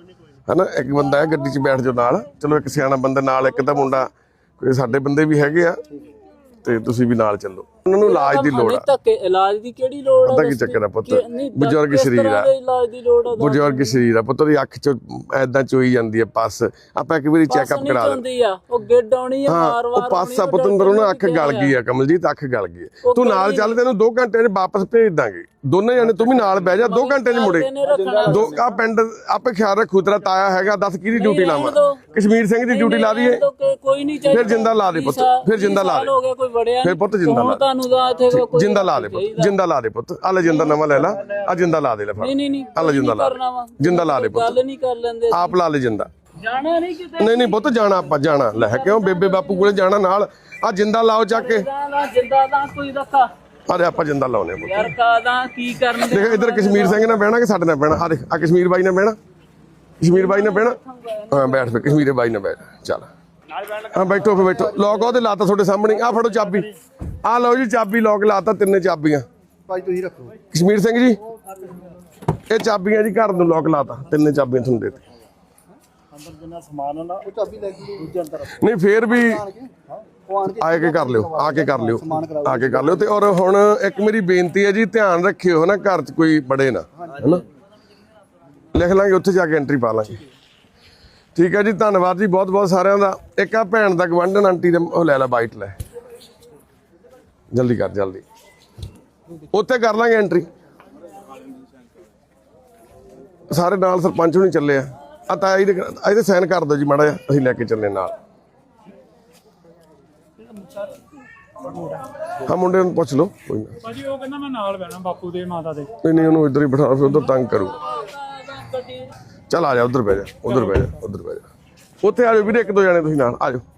ਹਨਾ। ਇੱਕ ਬੰਦਾ ਹੈ ਗੱਡੀ 'ਚ ਬੈਠ ਜਾਓ ਨਾਲ, ਚਲੋ ਇੱਕ ਸਿਆਣਾ ਬੰਦਾ ਨਾਲ, ਇੱਕ ਤਾਂ ਮੁੰਡਾ ਕੋਈ ਸਾਡੇ ਬੰਦੇ ਵੀ ਹੈਗੇ ਆ, ਤੇ ਤੁਸੀਂ ਵੀ ਨਾਲ ਚੱਲੋ। ਉਹਨਾਂ ਨੂੰ ਇਲਾਜ ਦੀ ਲੋੜ ਆ। ਧੱਕੇ ਇਲਾਜ ਦੀ ਕਿਹੜੀ ਲੋੜ ਆ? ਪਤਾ ਕੀ ਚੱਕਰ ਆ ਪੁੱਤ, ਬਜ਼ੁਰਗ ਸਰੀਰ ਆ, ਇਲਾਜ ਦੀ ਲੋੜ ਆ? ਬਜ਼ੁਰਗ ਸਰੀਰ ਆ ਪੁੱਤ ਦੀ ਅੱਖ 'ਚ ਐਦਾਂ ਚੋਈ ਜਾਂਦੀ ਹੈ ਪਸ। ਆਪਾਂ ਇੱਕ ਵਾਰੀ ਚੈੱਕਅਪ ਕਰਾ ਦੇ। ਹੁੰਦੀ ਆ ਉਹ ਗਿੱਡ ਆਉਣੀ ਆ ਵਾਰ ਵਾਰ। ਉਹ ਪਸ ਆ ਪੁੱਤ ਅੰਦਰੋਂ ਨਾ, ਅੱਖ ਗਲ ਗਈ ਆ ਕਮਲਜੀਤ, ਅੱਖ ਗਲ ਗਈ ਆ। ਤੂੰ ਨਾਲ ਚੱਲ, ਤੈਨੂੰ 2 ਘੰਟੇ 'ਚ ਵਾਪਸ ਭੇਜ ਦਾਂਗੇ ਦੋਨੇ ਜਾਣੇ। ਤੂੰ ਵੀ ਨਾਲ ਬਹਿ ਜਾ, 2 ਘੰਟੇ 'ਚ ਮੁੜੇ। ਆ ਪਿੰਡ ਆਪੇ ਖਿਆਲ ਰੱਖੂ, ਤੇਰਾ ਤਾਇਆ ਹੈਗਾ, ਦੱਸ ਕਿਹਦੀ ਡਿਊਟੀ ਲਾਵਾਂ? ਕਸ਼ਮੀਰ ਸਿੰਘ ਦੀ ਡਿਊਟੀ ਲਾ ਦਈਏ? ਕੋਈ ਨਹੀਂ ਚਾਹੀਦਾ। ਫਿਰ ਜਿੰਦਾ ਲਾ ਦੇ ਪੁੱਤ, ਫਿਰ ਜਿੰਦਾ ਲਾ ਦੇ। ਹੋ ਗਿਆ ਕੋਈ ਵੜਿਆ ਫਿਰ ਪੁੱਤ ਜਿੰਦਾ ਲਾ ਤੁਹਾਨੂੰ ਦਾ ਇੱਥੇ ਕੋਈ ਜਿੰਦਾ ਲਾ ਦੇ ਪੁੱਤ, ਜਿੰਦਾ ਲਾ ਦੇ ਪੁੱਤ। ਆ ਲੈ ਜਿੰਦਾ ਨਵਾਂ ਲੈ ਲਾ, ਆ ਜਿੰਦਾ ਲਾ ਦੇ ਲੈ ਫੜ। ਨਹੀਂ ਆ ਲੈ ਜਿੰਦਾ ਲਾ, ਜਿੰਦਾ ਲਾ ਦੇ ਪੁੱਤ। ਗੱਲ ਨਹੀਂ ਕਰ ਲੈਂਦੇ, ਆਪ ਲਾ ਲੈ ਜਿੰਦਾ। ਜਾਣਾ ਨਹੀਂ ਕਿਤੇ। ਨਹੀਂ ਪੁੱਤ ਜਾਣਾ, ਆਪਾਂ ਜਾਣਾ। ਲੈ ਕਿਉਂ ਬੇਬੇ ਬਾਪੂ ਕੋਲੇ ਜਾਣਾ ਨਾਲ। ਆ ਜਿੰਦਾ ਲਾਓ ਚੱਕ ਕੇ। ਜਿੰਦਾ ਦਾ ਕੋਈ ਰੱਖਾ ਅਰੇ ਆਪਾਂ ਜਿੰਦਾ ਲਾਉਨੇ ਪੁੱਤ। ਯਾਰ ਕਾਦਾ ਕੀ ਕਰਨ ਦੇ? ਦੇਖ ਇੱਧਰ ਕਸ਼ਮੀਰ ਸਿੰਘ ਨਾਲ ਬਹਿਣਾ ਕਿ ਸਾਡੇ ਨਾਲ ਬਹਿਣਾ? ਆ ਦੇਖ, ਆ ਕਸ਼ਮੀਰ ਬਾਈ ਨਾਲ ਬਹਿਣਾ, ਕਸ਼ਮੀਰ ਬਾਈ ਨਾਲ ਬਹਿਣਾ। ਹਾਂ ਬੈਠ ਫੇ, ਕਸ਼ਮੀਰੇ ਬਾਈ ਨਾਲ ਬੈਠ। ਚੱਲ ਹਾਂ ਬੈਠੋ ਫੇ, ਬੈਠੋ। ਲੋਕ ਉਹਦੇ ਲਾਤਾ ਤੁਹਾਡੇ ਸਾਹਮਣੇ। ਆ ਫੜੋ ਚਾਬੀ, ਆ ਲਓ ਜੀ ਚਾਬੀ। ਲੋਕ ਲਾਤਾ, 3 ਚਾਬੀਆਂ ਭਾਈ ਤੁਸੀਂ ਰੱਖੋ। ਕਸ਼ਮੀਰ ਸਿੰਘ ਜੀ ਇਹ ਚਾਬੀਆਂ ਜੀ, ਘਰ ਨੂੰ ਲੋਕ ਲਾਤਾ, 3 ਚਾਬੀਆਂ ਤੁਹਾਨੂੰ ਦੇ ਦਿੱਤੀਆਂ। ਅੰਦਰ ਜਿੰਨਾ ਸਮਾਨ ਹੁੰਦਾ ਉਹ ਚਾਬੀ ਲੈ ਕੇ ਦੂਜੇ ਅੰਦਰ ਨਹੀਂ ਫੇਰ ਵੀ ਉਹ ਆਣ ਕੇ ਆ ਕੇ ਕਰ ਲਿਓ, ਆ ਕੇ ਕਰ ਲਿਓ, ਆ ਕੇ ਕਰ ਲਿਓ। ਤੇ ਔਰ ਹੁਣ ਇੱਕ ਮੇਰੀ ਬੇਨਤੀ ਹੈ ਜੀ, ਧਿਆਨ ਰੱਖਿਓ ਨਾ ਘਰ 'ਚ ਕੋਈ ਬੜੇ ਨਾ, ਹੈਨਾ। ਲਿਖ ਲਾਂਗੇ, ਉੱਥੇ ਜਾ ਕੇ ਐਂਟਰੀ ਪਾ ਲਾਂਗੇ। ਠੀਕ ਹੈ ਜੀ, ਧੰਨਵਾਦ ਜੀ ਬਹੁਤ ਬਹੁਤ ਸਾਰਿਆਂ ਦਾ। ਇੱਕ ਆ ਭੈਣ ਦਾ ਗਵਾਂਢਣ ਆਂਟੀ ਦਾ ਉਹ ਲੈ ਲੈ, ਬਾਈਟ ਲੈ, ਜਲਦੀ ਕਰ, ਜਲਦੀ। ਉੱਥੇ ਕਰ ਲਾਂਗੇ ਐਂਟਰੀ। ਸਾਰੇ ਨਾਲ ਸਰਪੰਚ ਹੁਣੀ ਚੱਲੇ ਆ। ਆ ਤਾਂ ਇਹਦੇ ਸਾਈਨ ਕਰ ਦਿਓ ਜੀ ਮਾੜਾ ਜਿਹਾ, ਅਸੀਂ ਲੈ ਕੇ ਚੱਲੇ ਨਾਲ। ਹਾਂ ਮੁੰਡੇ ਨੂੰ ਪੁੱਛ ਲਓ, ਕੋਈ ਨਾ। ਭਾਜੀ ਉਹ ਕਹਿੰਦਾ ਮੈਂ ਨਾਲ ਬਹਿਣਾ ਬਾਪੂ ਦੇ ਮਾਤਾ ਦੇ। ਨਹੀਂ ਉਹਨੂੰ ਇੱਧਰ ਹੀ ਬਿਠਾ, ਫਿਰ ਉਧਰ ਤੰਗ ਕਰੂ। ਚੱਲ ਆ ਜਾ, ਉਧਰ ਬਹਿ ਜਾ, ਉਧਰ ਬਹਿ ਜਾ, ਉਧਰ ਬਹਿ ਜਾ। ਉੱਥੇ ਆ ਜਾਓ ਵੀਰੇ, 1-2 ਜਾਣੇ ਤੁਸੀਂ ਨਾਲ ਆ ਜਾਓ।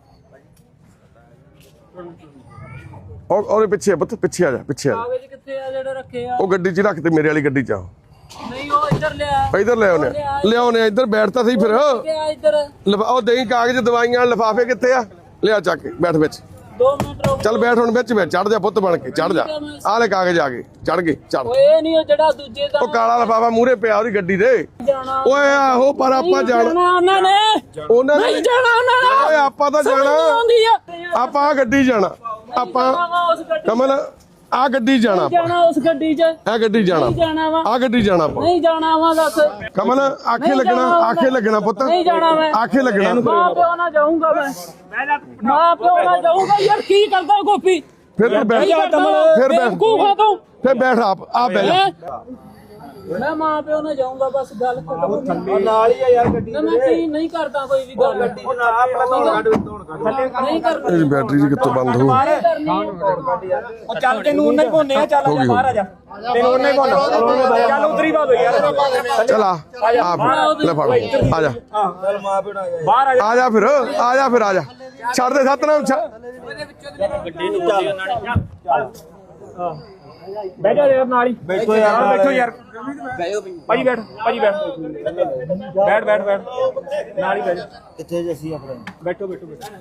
ਉਹਦੇ ਪਿੱਛੇ ਪੁੱਤ, ਪਿੱਛੇ ਆ ਜਾ, ਪਿੱਛੇ ਆ ਜਾ। ਕਾਗਜ਼ ਕਿੱਥੇ ਆ ਜਿਹੜੇ ਰੱਖੇ ਆ? ਉਹ ਗੱਡੀ 'ਚ ਰੱਖ ਤੇ, ਮੇਰੇ ਵਾਲੀ ਗੱਡੀ 'ਚ ਆਓ। ਨਹੀਂ ਉਹ ਇੱਧਰ ਲਿਆ, ਇੱਧਰ ਲੈ ਆਉਨੇ, ਲਿਆਉਨੇ ਇੱਧਰ। ਬੈਠ ਤਾਂ ਸਹੀ ਫਿਰ। ਕਿਆ ਇੱਧਰ? ਉਹ ਦਹੀਂ ਕਾਗਜ਼, ਦਵਾਈਆਂ, ਲਿਫਾਫੇ ਕਿੱਥੇ ਆ? ਲਿਆ ਚੱਕ ਕੇ, ਬੈਠ ਵਿੱਚ। 2 ਮਿੰਟ ਰੁਕ। ਚੱਲ ਬੈਠ ਹੁਣ ਵਿੱਚ, ਚੜ ਜਾ ਪੁੱਤ ਬਣ ਕੇ, ਚੜ ਜਾ। ਆਹ ਲੈ ਕਾਗਜ਼ ਆ ਗਏ, ਚੜ ਗਏ, ਚੜ। ਓਏ ਨਹੀਂ ਉਹ ਜਿਹੜਾ ਦੂਜੇ ਦਾ ਉਹ ਕਾਲਾ ਲਿਫਾਫਾ ਮੂਹਰੇ ਪਿਆ ਉਹਦੀ ਗੱਡੀ ਦੇ। ਜਾਣਾ ਓਏ ਆਹੋ, ਪਰ ਆਪਾਂ ਜਾਣਾ ਉਹਨਾਂ ਨੇ, ਉਹਨਾਂ ਨੇ ਨਹੀਂ ਜਾਣਾ ਉਹਨਾਂ ਨੇ। ਓਏ ਆਪਾਂ ਤਾਂ ਜਾਣਾ, ਆਉਂਦੀ ਆ ਆਪਾਂ ਆ ਗੱਡੀ ਜਾਣਾ, ਆਪਾਂ ਉਸ ਗੱਡੀ ਕਮਲ ਆ ਗੱਡੀ ਜਾਣਾ, ਆਪਾਂ ਜਾਣਾ, ਉਸ ਗੱਡੀ 'ਚ ਆ ਗੱਡੀ ਜਾਣਾ, ਜਾਣਾ ਵਾ। ਆ ਗੱਡੀ ਜਾਣਾ ਆਪਾਂ। ਨਹੀਂ ਜਾਣਾ ਵਾ ਦੱਸ। ਕਮਲ ਆਖੇ ਲੱਗਣਾ, ਆਖੇ ਲੱਗਣਾ ਪੁੱਤ, ਨਹੀਂ ਜਾਣਾ ਮੈਂ। ਆਖੇ ਲੱਗਣਾ। ਮਾਂ ਪਿਓ ਨਾਲ ਜਾਊਂਗਾ ਮੈਂ, ਮਾਂ ਪਿਓ ਨਾਲ ਜਾਊਂਗਾ। ਯਾਰ ਕੀ ਕਰਦਾ ਗੋਪੀ? ਫਿਰ ਤੂੰ ਬੈਠ, ਫਿਰ ਬੈਠ, ਕੂਫਾ ਤੂੰ। ਫਿਰ ਬੈਠ ਆਪ ਬਹਿ ਜਾ। ਮੈਂ ਮਾਂ ਪਿਓ ਨਾਲ ਜਾਊਂਗਾ, ਬਸ ਗੱਲ ਖਤਮ। ਨਾਲ ਹੀ ਆ ਯਾਰ ਗੱਡੀ ਮੈਂ ਕੀ ਨਹੀਂ ਕਰਦਾ ਕੋਈ ਵੀ ਗੱਲ। ਗੱਡੀ ਆਪਣਾ ਨਹੀਂ ਕਰਦਾ। ਇਹ ਬੈਟਰੀ ਜੀ ਕਿੱਥੋਂ ਬੰਦ ਹੋ? ਉਹ ਚੱਲ ਤੈਨੂੰ ਉਹਨਾਂ ਹੀ ਪਾਉਣੇ ਆ। ਚੱਲ ਆ ਜਾ ਬਾਹਰ ਆ ਜਾ, ਤੈਨੂੰ ਉਹਨਾਂ ਹੀ ਪਾਉਣਾ। ਚੱਲ ਉਤਰੀ ਬਾਦ ਯਾਰ। ਚਲ ਆ ਲੈ ਫੜ, ਆ ਜਾ, ਚੱਲ ਮਾਂ ਪਿਓ ਨਾਲ ਬਾਹਰ ਆ ਜਾ। ਆ ਜਾ ਫਿਰ, ਆ ਜਾ ਫਿਰ, ਆ ਜਾ। ਛੱਡ ਦੇ ਸਤਨਾਮ, ਗੱਡੀ ਨੂੰ ਚੱਲ ਬਹਿ ਜਾ ਯਾਰ ਨਾਲ ਹੀ। ਬੈਠੋ ਯਾਰ, ਬੈਠੋ ਯਾਰ। ਭਾਜੀ ਬੈਠ, ਭਾਜੀ ਬੈਠ, ਬੈਠ ਨਾਲ ਹੀ ਬਹਿ ਜਾ। ਕਿੱਥੇ ਜੇ ਅਸੀਂ ਆਪਣੇ ਬੈਠੋ।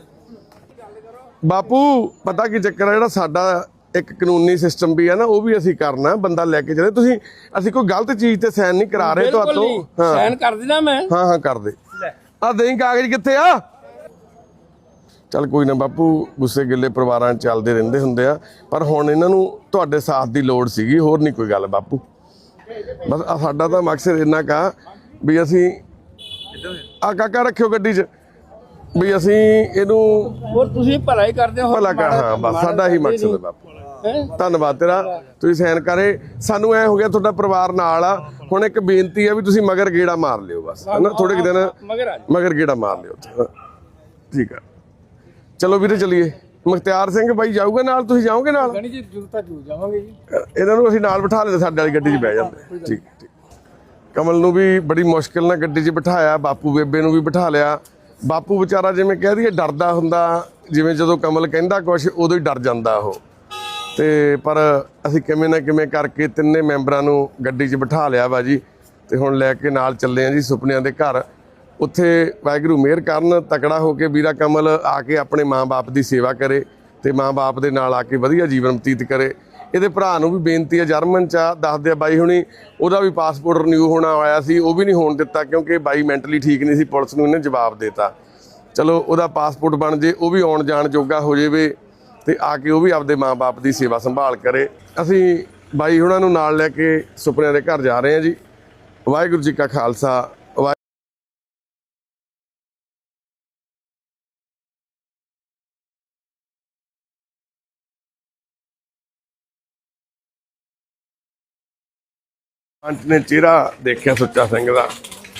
ਬਾਪੂ ਪਤਾ ਕੀ ਚੱਕਰ ਆ, ਜਿਹੜਾ ਸਾਡਾ ਇੱਕ ਕਾਨੂੰਨੀ ਸਿਸਟਮ ਵੀ ਹੈ ਨਾ, ਉਹ ਵੀ ਅਸੀਂ ਕਰਨਾ। ਬੰਦਾ ਲੈ ਕੇ ਚਲੇ, ਤੁਸੀਂ ਅਸੀਂ ਕੋਈ ਗਲਤ ਚੀਜ਼ ਤੇ ਸਾਈਨ ਨਹੀਂ ਕਰਾ ਰਹੇ ਤੁਹਾਤੋਂ। ਹਾਂ ਸਾਈਨ ਕਰ ਦੇਣਾ ਮੈਂ। ਹਾਂ ਕਰ ਦੇ। ਆ ਦੇਈ ਕਾਗਜ਼ ਕਿੱਥੇ ਆ? ਚੱਲ ਕੋਈ ਨਾ ਬਾਪੂ, ਗੁੱਸੇ ਗਿੱਲੇ ਪਰਿਵਾਰਾਂ 'ਚ ਚੱਲਦੇ ਰਹਿੰਦੇ ਹੁੰਦੇ ਆ, ਪਰ ਹੁਣ ਇਹਨਾਂ ਨੂੰ ਤੁਹਾਡੇ ਸਾਥ ਦੀ ਲੋੜ ਸੀਗੀ, ਹੋਰ ਨਹੀਂ ਕੋਈ ਗੱਲ ਬਾਪੂ। ਬਸ ਸਾਡਾ ਤਾਂ ਮਕਸਦ ਇੰਨਾ ਕਾ ਵੀ ਅਸੀਂ ਆ ਕਾਕਾ ਰੱਖਿਓ ਗੱਡੀ 'ਚ, ਵੀ ਅਸੀਂ ਇਹਨੂੰ ਹੋਰ ਤੁਸੀਂ ਭਲਾ ਹੀ ਕਰਦੇ ਹੋ। ਭਲਾ ਕਰ। ਹਾਂ ਬਸ ਸਾਡਾ ਹੀ ਮਕਸਦ ਹੈ ਬਾਪੂ। ਧੰਨਵਾਦ ਤੇਰਾ, ਤੁਸੀਂ ਸਾਈਨ ਕਰੇ। ਸਾਨੂੰ ਐ ਹੋ ਗਿਆ ਤੁਹਾਡਾ ਪਰਿਵਾਰ ਨਾਲ ਆ। ਹੁਣ ਇੱਕ ਬੇਨਤੀ ਆ ਵੀ ਤੁਸੀਂ ਮਗਰ ਗੇੜਾ ਮਾਰ ਲਿਓ ਬਸ, ਹਨਾ, ਥੋੜੇ ਕੁ ਦਿਨ ਮਗਰ ਗੇੜਾ ਮਾਰ ਲਿਓ। ਠੀਕ ਆ, ਚਲੋ ਵੀਰੇ ਚੱਲੀਏ। ਮੁਖਤਿਆਰ ਸਿੰਘ ਬਾਈ ਜਾਊਗਾ ਨਾਲ, ਤੁਸੀਂ ਜਾਓਗੇ ਨਾਲ? ਜੀ ਜ਼ਰੂਰ ਤਾਂ ਜ਼ਰੂਰ ਜਾਵਾਂਗੇ ਜੀ। ਇਹਨਾਂ ਨੂੰ ਅਸੀਂ ਨਾਲ ਬਿਠਾ ਲੈਂਦੇ, ਸਾਡੇ ਵਾਲੀ ਗੱਡੀ 'ਚ ਬਹਿ ਜਾਂਦੇ। ਠੀਕ ਠੀਕ। ਕਮਲ ਨੂੰ ਵੀ ਬੜੀ ਮੁਸ਼ਕਿਲ ਨਾਲ ਗੱਡੀ 'ਚ ਬਿਠਾਇਆ, ਬਾਪੂ ਬੇਬੇ ਨੂੰ ਵੀ ਬਿਠਾ ਲਿਆ। ਬਾਪੂ ਵਿਚਾਰਾ ਜਿਵੇਂ ਕਹਿ ਦਈਏ ਡਰਦਾ ਹੁੰਦਾ, ਜਿਵੇਂ ਜਦੋਂ ਕਮਲ ਕਹਿੰਦਾ ਕੁਛ ਉਦੋਂ ਹੀ ਡਰ ਜਾਂਦਾ ਉਹ। ਤੇ ਪਰ ਅਸੀਂ ਕਿਵੇਂ ਨਾ ਕਿਵੇਂ ਕਰਕੇ 3 ਮੈਂਬਰਾਂ ਨੂੰ ਗੱਡੀ 'ਚ ਬਿਠਾ ਲਿਆ ਵਾ ਜੀ। ਤੇ ਹੁਣ ਲੈ ਕੇ ਨਾਲ ਚੱਲੇ ਆ ਜੀ ਸੁਪਨਿਆਂ ਦੇ ਘਰ। ਉੱਥੇ ਵਾਹਿਗੁਰੂ ਮਿਹਰ ਕਰਨ, ਤਕੜਾ ਹੋ ਕੇ ਵੀਰਾ ਕਮਲ ਆ ਕੇ ਆਪਣੇ ਮਾਂ-ਬਾਪ ਦੀ ਸੇਵਾ ਕਰੇ ਤੇ ਮਾਂ-ਬਾਪ ਦੇ ਨਾਲ ਆ ਕੇ ਵਧੀਆ ਜੀਵਨ ਬਤੀਤ ਕਰੇ। ਇਹਦੇ ਭਰਾ ਨੂੰ ਵੀ ਬੇਨਤੀ ਹੈ, ਜਰਮਨ 'ਚ ਆ, ਦੱਸਦੇ ਆ ਬਾਈ ਹੁਣੀ, ਉਹਦਾ ਵੀ ਪਾਸਪੋਰਟ ਰਿਨਿਊ ਹੋਣਾ ਆਇਆ ਸੀ, ਉਹ ਵੀ ਨਹੀਂ ਹੋਣ ਦਿੱਤਾ ਕਿਉਂਕਿ ਬਾਈ ਮੈਂਟਲੀ ਠੀਕ ਨਹੀਂ ਸੀ। ਪੁਲਿਸ ਨੂੰ ਇਹਨੇ ਜਵਾਬ ਦੇਤਾ। ਚਲੋ ਉਹਦਾ ਪਾਸਪੋਰਟ ਬਣ ਜੇ, ਉਹ ਵੀ ਆਉਣ ਜਾਣ ਜੋਗਾ ਹੋ ਜਾਵੇ ਤੇ ਆ ਕੇ ਉਹ ਵੀ ਆਪਦੇ ਮਾਂ-ਬਾਪ ਦੀ ਸੇਵਾ ਸੰਭਾਲ ਕਰੇ। ਅਸੀਂ ਬਾਈ ਹੁਣਾਂ ਨੂੰ ਨਾਲ ਲੈ ਕੇ ਸੁਪਨਿਆਂ ਦੇ ਘਰ ਜਾ ਰਹੇ ਹਾਂ ਜੀ। ਵਾਹਿਗੁਰੂ ਜੀ ਕਾ ਖਾਲਸਾ। ਪੰਚ ਨੇ ਚਿਹਰਾ ਦੇਖਿਆ ਸੁੱਚਾ ਸਿੰਘ ਦਾ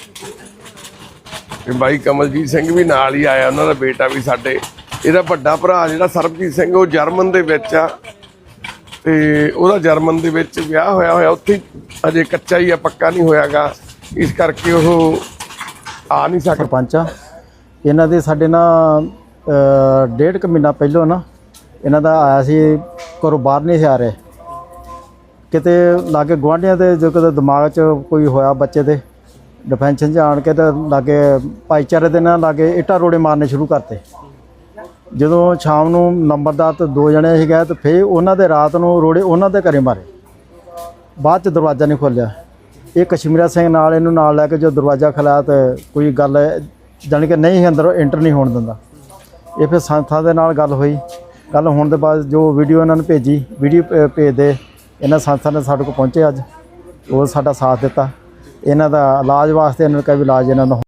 ਤੇ ਬਾਈ ਕਮਲਜੀਤ ਸਿੰਘ ਵੀ ਨਾਲ ਹੀ ਆਇਆ, ਉਹਨਾਂ ਦਾ ਬੇਟਾ ਵੀ ਸਾਡੇ। ਇਹਦਾ ਵੱਡਾ ਭਰਾ ਜਿਹੜਾ ਸਰਬਜੀਤ ਸਿੰਘ, ਉਹ ਜਰਮਨ ਦੇ ਵਿੱਚ ਆ ਤੇ ਉਹਦਾ ਜਰਮਨ ਦੇ ਵਿੱਚ ਵਿਆਹ ਹੋਇਆ ਉੱਥੇ ਅਜੇ ਕੱਚਾ ਹੀ ਆ, ਪੱਕਾ ਨਹੀਂ ਹੋਇਆਗਾ, ਇਸ ਕਰਕੇ ਉਹ ਆ ਨਹੀਂ ਸਕਦਾ। ਸਰਪੰਚ ਆ ਇਹਨਾਂ ਦੇ। ਸਾਡੇ ਨਾ 1.5 ਮਹੀਨਾ ਪਹਿਲਾਂ ਨਾ ਇਹਨਾਂ ਦਾ ਆਇਆ ਸੀ, ਘਰੋਂ ਬਾਹਰ ਨਹੀਂ ਸੀ ਆ ਰਹੇ। ਕਿਤੇ ਲਾਗੇ ਗੁਆਂਢੀਆਂ ਦੇ ਜੋ ਕਿਤੇ ਦਿਮਾਗ 'ਚ ਕੋਈ ਹੋਇਆ ਬੱਚੇ ਦੇ, ਡਿਫੈਂਸ਼ਨ 'ਚ ਆਣ ਕੇ ਤੇ ਲਾਗੇ ਭਾਈਚਾਰੇ ਦੇ ਨਾਲ ਲਾਗੇ ਇੱਟਾਂ ਰੋੜੇ ਮਾਰਨੇ ਸ਼ੁਰੂ ਕਰਤੇ। ਜਦੋਂ ਸ਼ਾਮ ਨੂੰ ਨੰਬਰਦਾਰ ਤੇ 2 ਜਣੇ ਸੀ ਗਏ ਤੇ ਫਿਰ ਉਹਨਾਂ ਦੇ ਰਾਤ ਨੂੰ ਰੋੜੇ ਉਹਨਾਂ ਦੇ ਘਰੇ ਮਾਰੇ। ਬਾਅਦ 'ਚ ਦਰਵਾਜ਼ਾ ਨਹੀਂ ਖੋਲ੍ਹਿਆ। ਇਹ ਕਸ਼ਮੀਰਾ ਸਿੰਘ ਨਾਲ ਇਹਨੂੰ ਨਾਲ ਲੈ ਕੇ ਜੋ ਦਰਵਾਜ਼ਾ ਖੋਲ੍ਹਿਆ ਤੇ ਕੋਈ ਗੱਲ ਜਾਣੀ ਕਿ ਨਹੀਂ ਅੰਦਰ ਐਂਟਰ ਨਹੀਂ ਹੋਣ ਦਿੰਦਾ। ਇਹ ਫਿਰ ਸੰਸਥਾ ਦੇ ਨਾਲ ਗੱਲ ਹੋਈ। ਗੱਲ ਹੋਣ ਦੇ ਬਾਅਦ ਜੋ ਵੀਡੀਓ ਇਹਨਾਂ ਨੂੰ ਭੇਜੀ, ਵੀਡੀਓ ਭੇਜਦੇ ਇਹਨਾਂ ਸੰਸਥਾ ਨੇ ਸਾਡੇ ਕੋਲ ਪਹੁੰਚੇ ਅੱਜ, ਉਹ ਸਾਡਾ ਸਾਥ ਦਿੱਤਾ। ਇਹਨਾਂ ਦਾ ਇਲਾਜ ਵਾਸਤੇ ਇਹਨਾਂ ਨੇ ਕਿਹਾ ਵੀ ਇਲਾਜ ਇਹਨਾਂ ਦਾ